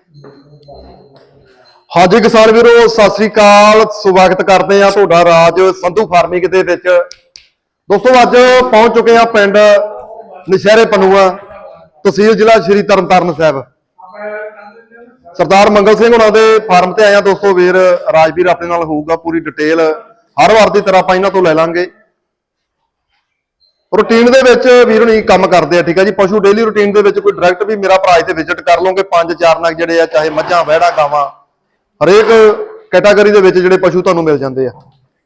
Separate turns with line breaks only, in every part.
ਹਾਂਜੀ ਕਿਸਾਨ ਵੀਰੋ ਸਤਿ ਸ੍ਰੀ ਅਕਾਲ। ਸਵਾਗਤ ਕਰਦੇ ਆ ਤੁਹਾਡਾ ਰਾਜ ਸੰਧੂ ਫਾਰਮਿੰਗ ਦੇ ਵਿੱਚ। ਦੋਸਤੋ ਅੱਜ ਪਹੁੰਚ ਚੁੱਕੇ ਆ ਪਿੰਡ ਨਸ਼ਹਿਰੇ ਪਨੂਆ, ਤਹਿਸੀਲ ਜ਼ਿਲ੍ਹਾ ਸ਼੍ਰੀ ਤਰਨਤਾਰਨ ਸਾਹਿਬ। ਸਰਦਾਰ ਮੰਗਲ ਸਿੰਘ ਉਹਨਾਂ ਦੇ ਫਾਰਮ ਤੇ ਆਇਆ ਦੋਸਤੋ। ਵੀਰ ਰਾਜਵੀਰ ਆਪਣੇ ਨਾਲ ਹੋਊਗਾ, ਪੂਰੀ ਡਿਟੇਲ ਹਰ ਵਾਰ ਦੀ ਤਰ੍ਹਾਂ ਆਪਾਂ ਇਹਨਾਂ ਤੋਂ ਲੈ ਲਾਂਗੇ। ਰੂਟੀਨ ਦੇ ਵਿੱਚ ਵੀਰ ਹੁਣੀ ਕੰਮ ਕਰਦੇ ਆ, ਠੀਕ ਆ ਜੀ। ਪਸ਼ੂ ਡੇਲੀ ਰੂਟੀਨ ਦੇ ਵਿੱਚ ਕੋਈ ਡਾਇਰੈਕਟ ਵੀ ਮੇਰਾ ਭਰਾ ਇੱਥੇ ਵਿਜ਼ਿਟ ਕਰ ਲਓਗੇ। 5-4 ਨਗ ਜਿਹੜੇ ਆ, ਚਾਹੇ ਮੱਝਾਂ ਵਹਿੜਾ ਗਾਵਾਂ, ਹਰੇਕ ਕੈਟਾਗਰੀ ਦੇ ਵਿੱਚ ਜਿਹੜੇ ਪਸ਼ੂ ਤੁਹਾਨੂੰ ਮਿਲ ਜਾਂਦੇ ਆ।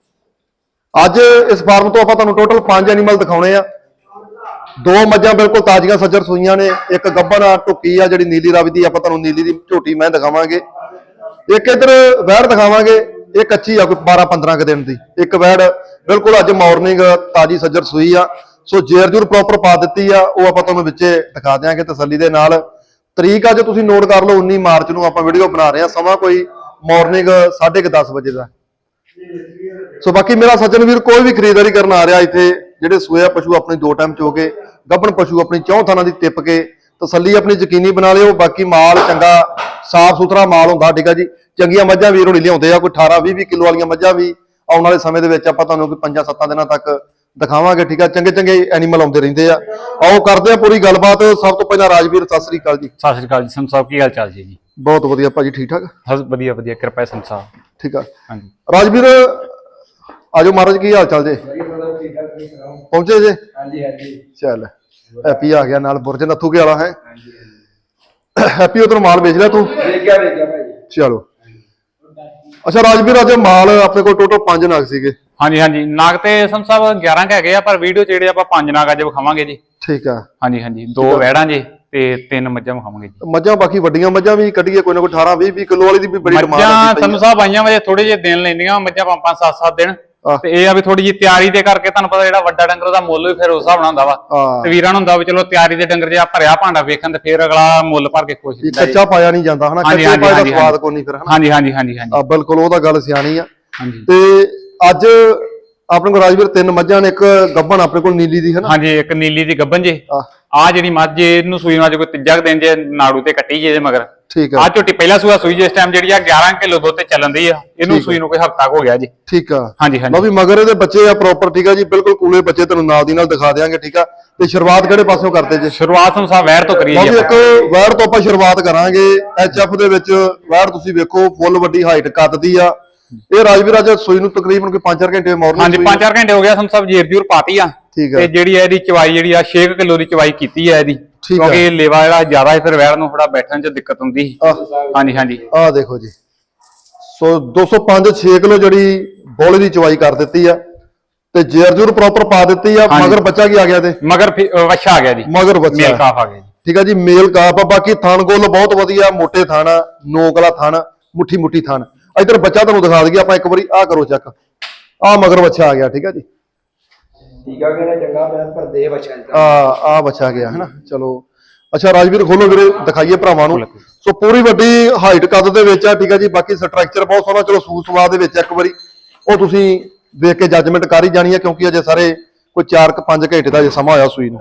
ਅੱਜ ਇਸ ਫਾਰਮ ਤੋਂ ਆਪਾਂ ਤੁਹਾਨੂੰ ਟੋਟਲ 5 ਐਨੀਮਲ ਦਿਖਾਉਣੇ ਆ। 2 ਮੱਝਾਂ ਬਿਲਕੁਲ ਤਾਜ਼ੀਆਂ ਸੱਜਰ ਸੂਈਆਂ ਨੇ, ਇੱਕ ਗੱਭਣ ਢੁੱਕੀ ਆ ਜਿਹੜੀ ਨੀਲੀ ਰਾਵੀ ਦੀ, ਆਪਾਂ ਤੁਹਾਨੂੰ ਨੀਲੀ ਦੀ ਝੋਟੀ ਮੈਂ ਦਿਖਾਵਾਂਗੇ। ਇੱਕ ਇੱਧਰ ਵਹਿੜ ਦਿਖਾਵਾਂਗੇ, ਇਹ ਕੱਚੀ ਆ ਕੋਈ 12-15 ਦਿਨ ਦੀ। ਇੱਕ ਵਹਿੜ ਬਿਲਕੁਲ ਅੱਜ ਮਾਰਨਿੰਗ ਤਾਜ਼ੀ ਸੱਜਰ ਸੂਈ ਆ। ਸੋ ਜੇਰ ਜੂਰ ਪ੍ਰੋਪਰ ਪਾ ਦਿੱਤੀ ਆ, ਉਹ ਆਪਾਂ ਤੁਹਾਨੂੰ ਵਿੱਚੇ ਦਿਖਾ ਦਿਆਂਗੇ ਤਸੱਲੀ ਦੇ ਨਾਲ। ਤਰੀਕ ਅੱਜ ਤੁਸੀਂ ਨੋਟ ਕਰ ਲਓ, 19 ਮਾਰਚ ਨੂੰ ਆਪਾਂ ਵੀਡੀਓ ਬਣਾ ਰਹੇ ਹਾਂ। ਸਮਾਂ ਕੋਈ ਮਾਰਨਿੰਗ 10:30 ਵਜੇ ਦਾ। ਸੋ ਬਾਕੀ ਮੇਰਾ ਸੱਜਣ ਵੀਰ ਕੋਈ ਵੀ ਖਰੀਦਦਾਰੀ ਕਰਨ ਆ ਰਿਹਾ ਇੱਥੇ, ਜਿਹੜੇ ਸੂਏ ਪਸ਼ੂ ਆਪਣੀ 2 ਟਾਈਮ ਚੋ ਕੇ, ਗੱਭਣ ਪਸ਼ੂ ਆਪਣੀ 4 ਥਾਨਾਂ ਦੀ ਟਿੱਪ ਕੇ ਤਸੱਲੀ ਆਪਣੀ ਯਕੀਨੀ ਬਣਾ ਲਿਓ। ਬਾਕੀ ਮਾਲ ਚੰਗਾ ਸਾਫ ਸੁਥਰਾ ਮਾਲ ਹੁੰਦਾ, ਠੀਕ ਆ ਜੀ। ਚੰਗੀਆਂ ਮੱਝਾਂ ਵੀਰ ਹੋਣੀ ਲਿਆਉਂਦੇ ਆ, ਕੋਈ 18-20 ਕਿਲੋ ਵਾਲੀਆਂ ਮੱਝਾਂ ਵੀ ਆਉਣ ਵਾਲੇ ਸਮੇਂ ਦੇ ਵਿੱਚ ਆਪਾਂ ਤੁਹਾਨੂੰ ਕੋਈ 5-7 ਦਿਨਾਂ ਤੱਕ ਦਿਖਾਵਾਂਗੇ, ਠੀਕ ਆ। ਚੰਗੇ ਐਨੀਮਲ ਆਉਂਦੇ ਰਹਿੰਦੇ ਆ। ਆਓ ਕਰਦੇ ਆ ਪੂਰੀ ਗੱਲਬਾਤ। ਸਭ ਤੋਂ ਪਹਿਲਾਂ ਰਾਜਵੀਰ ਸਤਿ ਸ੍ਰੀ ਅਕਾਲ ਜੀ।
ਸਤਿ ਸ੍ਰੀ ਅਕਾਲ ਜੀ ਸੰਤ ਸਾਹਿਬ, ਕੀ ਹਾਲ ਚਾਲ ਜੀ?
ਬਹੁਤ ਵਧੀਆ ਭਾਜੀ, ਠੀਕ ਠਾਕ?
ਹਾਂ ਵਧੀਆ ਵਧੀਆ, ਕਿਰਪਾ ਹੈ ਸੰਤ ਸਾਹਿਬ।
ਠੀਕ ਆ
ਹਾਂਜੀ
ਰਾਜਵੀਰ, ਆਜੋ ਮਹਾਰਾਜ, ਕੀ ਹਾਲ ਚਾਲ ਜੇ? ਪਹੁੰਚੇ ਜੇ?
ਹਾਂਜੀ ਹਾਂਜੀ।
ਚੱਲ ਹੈਪੀ ਆ ਗਿਆ ਨਾਲ, ਬੁਰਜ ਨੱਥੂ ਕੇ ਵਾਲਾ ਹੈ। ਹੈਪੀ ਉਧਰ ਮਾਲ ਵੇਚ ਲਿਆ ਤੂੰ?
ਵੇਖਿਆ ਭਾਈ।
ਚਲੋ ਅੱਛਾ ਰਾਜਵੀਰ, ਅੱਜ ਮਾਲ ਆਪਣੇ ਕੋਲ ਟੋਟਲ 5 ਨਗ ਸੀਗੇ।
ਹਾਂਜੀ ਹਾਂਜੀ, ਨਾਗ ਤੇ ਸੰਤ ਸਾਹਿਬ 11 ਕੁ ਹੈਗੇ ਆ, ਪਰ ਵੀਡੀਓ 'ਚ ਜਿਹੜੇ ਆਪਾਂ 5 ਨਾਗ ਅੱਜ ਵਿਖਾਵਾਂਗੇ ਜੀ।
ਠੀਕ ਆ।
ਹਾਂਜੀ ਹਾਂਜੀ, 2 ਵਹਿੜਾਂ ਜੀ ਤੇ 3 ਮੱਝਾਂ ਵਿਖਾਵਾਂਗੇ ਜੀ।
ਮੱਝਾਂ ਬਾਕੀ ਵੱਡੀਆਂ ਮੱਝਾਂ ਵੀ ਕੱਢੀਏ, ਕੋਈ ਨਾ ਕੋਈ 18-20 ਕਿਲੋ ਵਾਲੀ ਦੀ ਵੀ ਬੜੀ ਡਿਮਾਂਡ ਆ।
ਮੱਝਾਂ ਸੰਤ ਸਾਹਿਬ ਆਈਆਂ ਵਜੇ ਥੋੜੇ ਜਿਹੇ ਦਿਨ ਲੈਂਦੀਆਂ ਮੱਝਾਂ, 5-7 ਦਿਨ। ਤੇ ਇਹ ਆ ਵੀ ਥੋੜੀ ਜਿਹੀ ਤਿਆਰੀ ਦੇ ਕਰਕੇ, ਤੁਹਾਨੂੰ ਪਤਾ ਜਿਹੜਾ ਵੱਡਾ ਡੰਗਰ ਉਹਦਾ ਮੁੱਲ ਵੀ ਫਿਰ ਉਸ ਹਿਸਾਬ ਨਾਲ ਹੁੰਦਾ ਵਾ। ਤੇ ਵੀਰਾਂ ਨੂੰ ਹੁੰਦਾ ਵੀ ਚਲੋ ਤਿਆਰੀ ਦੇ ਡੰਗਰ ਜੇ ਭਰਿਆ ਭਾਂਡਾ ਵੇਖਣ ਤੇ ਫਿਰ ਅਗਲਾ ਮੁੱਲ ਭਰ ਕੇ ਖੁਸ਼ ਹੁੰਦਾ।
ਕੱਚਾ ਪਾਇਆ ਨਹੀਂ ਜਾਂਦਾ ਹਨਾ, ਕੱਚੇ ਪਾਇਆ ਦਾ ਸਵਾਦ ਕੋਈ ਨਹੀਂ ਫਿਰ ਹਨਾ।
ਹਾਂਜੀ ਹਾਂਜੀ ਹਾਂਜੀ ਹਾਂਜੀ
ਬਿਲਕੁਲ, ਉਹ ਤਾਂ ਗੱਲ ਸਿਆਣੀ ਆ।
ਹਾਂਜੀ
ਤੇ ਅੱਜ ਆਪਣੇ ਕੋਲ ਰਾਜਵੀਰ 3 ਮੱਝਾਂ ਨੇ, ਇੱਕ ਗੱਭਣ ਆਪਣੇ ਕੋਲ ਨੀਲੀ ਦੀ ਹਨਾ।
ਹਾਂਜੀ, ਇੱਕ ਨੀਲੀ ਦੀ ਗੱਭਣ ਜੇ। ਆ ਜਿਹੜੀ ਮੱਝ ਇਹਨੂੰ ਸੂਈ ਨੂੰ ਅੱਜ ਕੋਈ ਤੀਜਾ ਦਿਨ ਜੇ, ਨਾੜੂ ਤੇ ਕੱਟੀ ਜੇ ਮਗਰ।
ਠੀਕ ਆ।
ਆ ਝੋਟੀ ਪਹਿਲਾ ਸੂਆ ਸੂਈ ਜੇ, ਇਸ ਟਾਈਮ ਜਿਹੜੀ ਆ 11 ਕਿਲੋ ਦੁੱਧ ਤੇ ਚੱਲਣ ਦੀ ਆ। ਇਹਨੂੰ ਸੂਈ ਨੂੰ ਕੋਈ ਹਫਤਾ ਹੋ ਗਿਆ ਜੀ।
ਠੀਕ ਆ।
ਹਾਂਜੀ ਹਾਂਜੀ,
ਲਓ ਵੀ ਮਗਰ ਇਹਦੇ ਬੱਚੇ ਆ ਪ੍ਰੋਪਰ, ਠੀਕ ਆ ਜੀ। ਬਿਲਕੁਲ ਕੂਲੇ ਬੱਚੇ ਤੁਹਾਨੂੰ ਨਾਲ ਦੀ ਨਾਲ ਦਿਖਾ ਦਿਆਂਗੇ, ਠੀਕ ਆ। ਤੇ ਸ਼ੁਰੂਆਤ ਕਿਹੜੇ ਪਾਸੋਂ ਕਰਦੇ ਜੇ?
ਸ਼ੁਰੂਆਤ ਨੂੰ ਸਾਹਿਬ ਵੈਰ ਤੋਂ ਕਰੀਏ
ਲਓ
ਜੀ
ਵੀ ਇੱਕ ਵੈੜ ਤੋਂ ਆਪਾਂ ਸ਼ੁਰੂਆਤ ਕਰਾਂਗੇ। ਐਚਐਫ ਦੇ ਵਿੱਚ ਵੈੜ ਤੁਸੀਂ ਵੇਖੋ, ਫੁੱਲ ਵੱਡੀ ਹਾਈਟ ਕੱਦ ਦੀ ਆ। ਇਹ ਰਾਜਵੀਰ ਅੱਜ ਸੂਈ ਨੂੰ ਤਕਰੀਬਨ ਕੋਈ 5-4 ਘੰਟੇ ਮਾਰਨਿੰਗ।
ਹਾਂਜੀ 5-4 ਘੰਟੇ ਹੋ ਗਿਆ ਸੰਤ ਸਾਹਿਬ, ਜੇਰ ਜੂਰ ਪਾਤੀ ਆ।
ਠੀਕ ਆ।
ਤੇ ਜਿਹੜੀ ਇਹਦੀ ਚਵਾਈ ਜਿਹੜੀ ਆ 6 ਕਿਲੋ ਦੀ ਚਵਾਈ ਕੀਤੀ ਆ ਇਹਦੀ, ਕਿਉਂਕਿ ਲੇਵਾ ਜਿਹੜਾ ਜ਼ਿਆਦਾ ਹੈ, ਫਿਰ ਵੈੜ ਨੂੰ ਥੋੜਾ ਬੈਠਣ 'ਚ ਦਿੱਕਤ ਹੁੰਦੀ ਸੀ। ਹਾਂਜੀ ਹਾਂਜੀ,
ਆਹ ਦੇਖੋ ਜੀ। ਸੋ 205-6 ਕਿਲੋ ਜਿਹੜੀ ਬੋਲੇ ਦੀ ਚਵਾਈ ਕਰ ਦਿੱਤੀ ਆ, ਤੇ ਜੇਰ ਜੂਰ ਪ੍ਰੋਪਰ ਪਾ ਦਿੱਤੀ ਆ। ਮਗਰ ਬੱਚਾ ਕੀ ਆ ਗਿਆ? ਤੇ
ਮਗਰ ਵੱਛਾ ਆ ਗਿਆ ਜੀ,
ਮਗਰ ਬੱਚਾ,
ਮੇਲ ਕਾਫ ਆ ਗਿਆ ਜੀ।
ਠੀਕ ਆ ਜੀ, ਮੇਲ ਕਾਫ ਆ। ਬਾਕੀ ਥਣ ਗੋਲ ਬਹੁਤ ਵਧੀਆ, ਮੋਟੇ ਥਣ, ਨੋਕ ਵਾਲਾ ਥਣ, ਮੁੱਠੀ ਥਣ। ਇੱਧਰ ਬੱਚਾ ਤੁਹਾਨੂੰ ਦਿਖਾ ਦਈਏ ਆਪਾਂ ਇੱਕ ਵਾਰੀ, ਆਹ ਕਰੋ ਚੈੱਕ, ਆਹ ਮਗਰ ਬੱਚਾ ਆ ਗਿਆ। ਠੀਕ ਆ ਜੀ,
ਠੀਕ ਆ, ਕਹਿੰਦਾ ਚੰਗਾ ਮੈਂ ਪਰ ਦੇ ਬੱਚਾ ਜੀ।
ਆ ਬੱਚਾ ਗਿਆ ਹਨਾ। ਚਲੋ ਅੱਛਾ ਰਾਜਵੀਰ, ਖੋਲੋ ਵੀਰੇ, ਦਿਖਾਈਏ ਭਰਾਵਾਂ ਨੂੰ। ਸੋ ਪੂਰੀ ਵੱਡੀ ਹਾਈਟ ਕੱਦ ਦੇ ਵਿੱਚ ਆ, ਠੀਕ ਆ ਜੀ। ਬਾਕੀ ਸਟਰਕਚਰ ਬਹੁਤ ਸੋਹਣਾ। ਚਲੋ ਸੂਤ ਸਵਾਦ ਦੇ ਵਿੱਚ ਇੱਕ ਵਾਰੀ ਉਹ ਤੁਸੀਂ ਵੇਖ ਕੇ ਜੱਜਮੈਂਟ ਕਰ ਹੀ ਜਾਣੀ ਆ, ਕਿਉਂਕਿ ਅਜੇ ਸਾਰੇ ਕੋਈ 4-5 ਘੰਟੇ ਦਾ ਜੇ ਸਮਾਂ ਹੋਇਆ ਸੂਈ ਨੂੰ।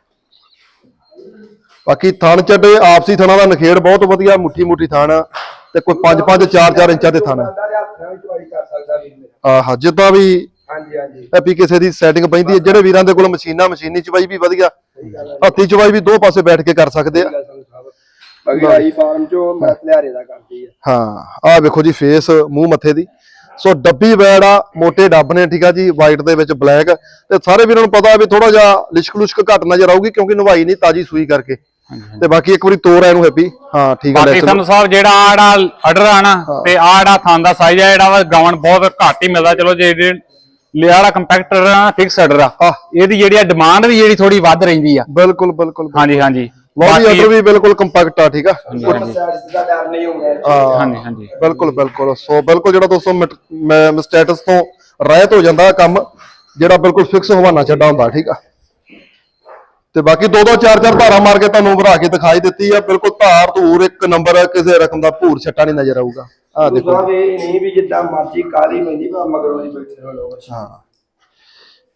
ਬਾਕੀ ਥਣ ਚੱਡੇ ਆਪਸੀ ਥਣਾਂ ਦਾ ਨਖੇੜ ਬਹੁਤ ਵਧੀਆ, ਮੁੱਠੀ ਥਣ, ਤੇ ਕੋਈ 5-5 4-4 ਇੰਚਾਂ ਦੇ ਥਣ। ਆਹ ਜਿੱਦਾਂ ਵੀ
ਹਾਂਜੀ ਹਾਂਜੀ,
ਐਪੀ ਕਿਸੇ ਦੀ ਸੈਟਿੰਗ ਪੈਂਦੀ ਹੈ। ਜਿਹੜੇ ਵੀਰਾਂ ਦੇ ਕੋਲ ਮਸ਼ੀਨੀ ਚਵਾਈ ਵੀ ਵਧੀਆ, ਹੱਥੀ ਚਵਾਈ ਵੀ 2 ਪਾਸੇ ਬੈਠ ਕੇ ਕਰ ਸਕਦੇ ਆ।
ਬਾਕੀ ਆਈ ਫਾਰਮ ਚੋਂ ਮੈਂ ਲਿਆਰੇ ਦਾ ਕਰਦੀ ਆ।
ਹਾਂ ਆਹ ਵੇਖੋ ਜੀ, ਫੇਸ ਮੂੰਹ ਮੱਥੇ ਦੀ। ਸੋ ਡੱਬੀ ਵੈੜ ਆ, ਮੋਟੇ ਡੱਬ ਨੇ, ਠੀਕ ਆ ਜੀ। ਵਾਈਟ ਦੇ ਵਿੱਚ ਬਲੈਕ, ਤੇ ਸਾਰੇ ਵੀਰਾਂ ਨੂੰ ਪਤਾ ਵੀ ਥੋੜਾ ਜਿਹਾ ਲਿਸ਼ਕ ਘੱਟ ਨਜ਼ਰ ਆਊਗੀ, ਕਿਉਂਕਿ ਨਵਾਈ ਨਹੀਂ ਤਾਜੀ ਸੂਈ ਕਰਕੇ। ਤੇ ਬਾਕੀ ਇੱਕ ਵਾਰੀ ਤੋਰ ਇਹਨੂੰ ਹੈਪੀ। ਹਾਂ ਠੀਕ ਆ।
ਬਾਕੀ ਸੰਤ ਸਾਹਿਬ ਜਿਹੜਾ ਆੜਾ ਆਰਡਰ ਆ ਨਾ, ਤੇ ਆੜਾ ਥਾਂ ਦਾ ਸਾਈਜ਼ ਆ ਜਿਹੜਾ ਵਾ ਗਾਵਣ ਬਹੁਤ ਘੱਟ ਹੀ ਮਿਲਦਾ। ਚਲੋ ਜੇ ਲਿਆੜਾ ਕੰਪੈਕਟਰ ਆ, ਫਿਕਸ ਆਰਡਰ ਆ, ਇਹਦੀ ਜਿਹੜੀ ਡਿਮਾਂਡ ਵੀ ਜਿਹੜੀ ਥੋੜੀ ਵੱਧ ਰਹਿੰਦੀ ਆ।
ਬਿਲਕੁਲ।
ਹਾਂਜੀ ਹਾਂਜੀ,
ਬਾਕੀ ਆਰਡਰ ਵੀ ਬਿਲਕੁਲ ਕੰਪੈਕਟ ਆ, ਠੀਕ ਆ।
ਦਾ ਡਰ ਨਹੀਂ ਹੋਊਗਾ।
ਹਾਂਜੀ ਹਾਂਜੀ,
ਬਿਲਕੁਲ। ਸੋ ਬਿਲਕੁਲ ਜਿਹੜਾ ਦੋਸਤੋ ਸਟੇਟਸ ਤੋਂ ਰਹਿਤ ਹੋ ਜਾਂਦਾ ਕੰਮ, ਜਿਹੜਾ ਬਿਲਕੁਲ ਫਿਕਸ ਹਵਾਨਾ ਛੱਡਾ ਹੁੰਦਾ, ਠੀਕ ਆ। ਤੇ ਬਾਕੀ 2-2 4-4 ਧਾਰਾਂ ਮਾਰ ਕੇ ਤੁਹਾਨੂੰ ਵਧਾ ਕੇ ਦਿਖਾਈ ਦਿੱਤੀ ਆ। ਬਿਲਕੁਲ ਧਾਰ ਧੂਰ ਇੱਕ ਨੰਬਰ, ਕਿਸੇ ਰਕਮ ਦਾ ਭੂਰ ਛੱਟਾ ਨਹੀਂ ਨਜ਼ਰ ਆਊਗਾ। ਆਹ ਦੇਖੋ,
ਇਹ ਨਹੀਂ ਵੀ ਜਿੱਦਾਂ ਮਰਜ਼ੀ ਕਾਲੀ ਪੈਂਦੀ, ਪਰ ਮਗਰੋਂ ਦੀ ਬੈਠੇ ਹੋ ਲੋਕ।
ਹਾਂ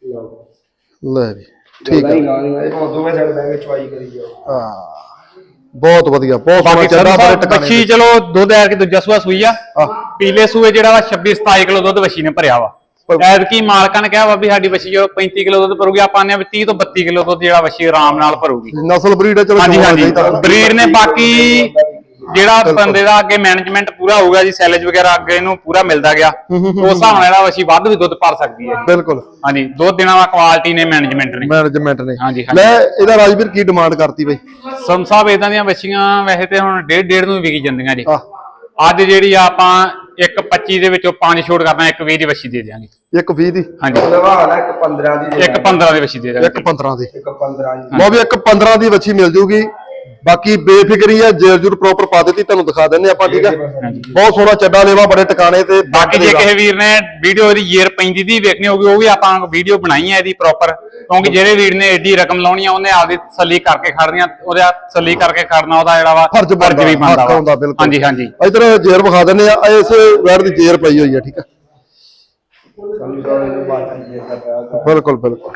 ਲੈ ਵੀ ਠੀਕ ਆ।
ਦੋਵੇਂ ਸਾਈਡ ਬਹਿ ਕੇ ਚਵਾਈ ਕਰੀ ਜਾਓ।
ਹਾਂ ਬਹੁਤ ਵਧੀਆ, ਬਹੁਤ ਸੋਹਣਾ
ਬਾਕੀ
ਚੱਡਾ ਬੜੇ ਟਿਕਾਣੇ
ਬੱਚੀ ਚਲੋ ਦੁੱਧ ਐਰ ਕੇ ਦੂਜਾ ਸੂਆ ਸੂਈ ਆ ਪੀਲੇ ਸੂਏ ਜਿਹੜਾ ਵਾ 26 27 ਕਿਲੋ ਦੁੱਧ ਬੱਚੀ ਨੇ ਭਰਿਆ ਵਾ ਐਤਕੀ ਮਾਲਕਾਂ ਨੇ ਕਿਹਾ ਵਾ ਵੀ ਸਾਡੀ ਬੱਚੀ ਜੋ 35 ਕਿਲੋ ਦੁੱਧ ਭਰੂਗੀ ਆਪਾਂ ਨੇ 30 ਤੋਂ 32 ਕਿਲੋ ਦੁੱਧ ਜਿਹੜਾ ਬੱਚੀ ਆਰਾਮ ਨਾਲ ਭਰੂਗੀ
ਨਸਲ ਬਰੀਡ ਹੈ ਚਲੋ
ਹਾਂਜੀ
ਚੋਣਾ
ਹਾਂਜੀ
ਚਾਹੀਦਾ।
ਬਰੀਡ ਨੇ ਬਾਕੀ ਜਿਹੜਾ ਬੰਦੇ ਦਾ ਅੱਗੇ ਮੈਨੇਜਮੈਂਟ ਪੂਰਾ ਹੋਊਗਾ ਜੀ ਸੈਲੇਜ ਵਗੈਰਾ ਅੱਗੇ ਇਹਨੂੰ ਪੂਰਾ ਮਿਲਦਾ ਗਿਆ ਉਸ ਹਿਸਾਬ ਨਾਲ ਜਿਹੜਾ ਬੱਚੀ ਵੱਧ ਵੀ ਦੁੱਧ ਭਰ ਸਕਦੀ ਹੈ
ਬਿਲਕੁਲ
ਹਾਂਜੀ ਦੁੱਧ ਦੇਣਾ ਵਾ ਕੁਆਲਿਟੀ ਨੇ ਮੈਨੇਜਮੈਂਟ ਨੇ
ਮੈਨੇਜਮੈਂਟ ਨੇ।
ਹਾਂਜੀ,
ਲੈ ਇਹਦਾ ਰਾਜਵੀਰ ਕੀ ਡਿਮਾਂਡ ਕਰਤੀ ਬਈ?
ਸਮ ਸਾਹਿਬ ਇਦਾਂ ਦੀਆਂ ਬੱਚੀਆਂ ਵੈਸੇ ਤੇ ਹੁਣ 1.5 ਨੂੰ ਵਿਕੀ ਜਾਂਦੀਆਂ ਜੀ
ਆਹ
ਅੱਜ ਜਿਹੜੀ ਆ ਆਪਾਂ 1.25 ਦੇ ਵਿੱਚੋਂ 5 ਛੋਟ ਕਰਨਾ 1.20 ਦੀ ਬੱਚੀ ਦੇ ਦਿਆਂਗੇ
1.20 ਦੀ
ਹਾਂਜੀ
ਲਵਾਲ ਹੈ 1.15 ਦੀ
1.15 ਦੀ ਬੱਚੀ ਦੇ ਦਿਆਂਗੇ
1.15 ਦੀ
1.15 ਦੀ
ਲਓ ਵੀ 1.15 ਦੀ ਵੱਛੀ ਮਿਲ ਜੂਗੀ। ਬਾਕੀ ਬੇਫਿਕਰੀ ਆ ਜੇਰ ਪ੍ਰੋਪਰ ਪਾ ਦਿੱਤੀ ਤੁਹਾਨੂੰ ਦਿਖਾ ਦਿੰਨੇ ਆਪਾਂ ਠੀਕ ਆ। ਬਹੁਤ ਸੋਹਣਾ ਚੱਡਾ ਲੇਵਾ ਬੜੇ ਟਿਕਾਣੇ ਤੇ
ਬਾਕੀ ਜੇ ਕਿਸੇ ਵੀਰ ਨੇ ਵੀਡੀਓ ਦੀ ਯੇਰ ਪੈਂਦੀ ਦੀ ਵੇਖਣੀ ਹੋਗੀ ਉਹ ਵੀ ਆਪਾਂ ਵੀਡੀਓ ਬਣਾਈ ਹੈ ਇਹਦੀ ਪ੍ਰੋਪਰ ਕਿਉਂਕਿ ਜਿਹੜੇ ਵੀਰ ਨੇ ਏਡੀ ਰਕਮ ਲਾਉਣੀ ਆ ਉਹਨੇ ਆਪਦੀ ਤਸੱਲੀ ਕਰਕੇ ਖੜਨੀਆਂ ਉਹਦਾ ਤਸੱਲੀ ਕਰਕੇ ਖੜਨਾ ਉਹਦਾ ਜਿਹੜਾ ਵਾ
ਫਰਜ਼
ਵੀ ਬਣਦਾ
ਹੱਕ ਹੁੰਦਾ
ਵਾ
ਬਿਲਕੁਲ।
ਹਾਂਜੀ ਹਾਂਜੀ
ਇਧਰ ਜੇਰ ਵਿਖਾ ਦਿੰਨੇ ਆ ਇਸ ਵੈੜ ਦੀ ਜੇਰ ਪਈ ਹੋਈ ਆ ਠੀਕ ਆ।
ਸਮਝ ਲਓ ਇਹ ਬਾਤ ਹੈ ਕਰਦਾ
ਬਿਲਕੁਲ ਬਿਲਕੁਲ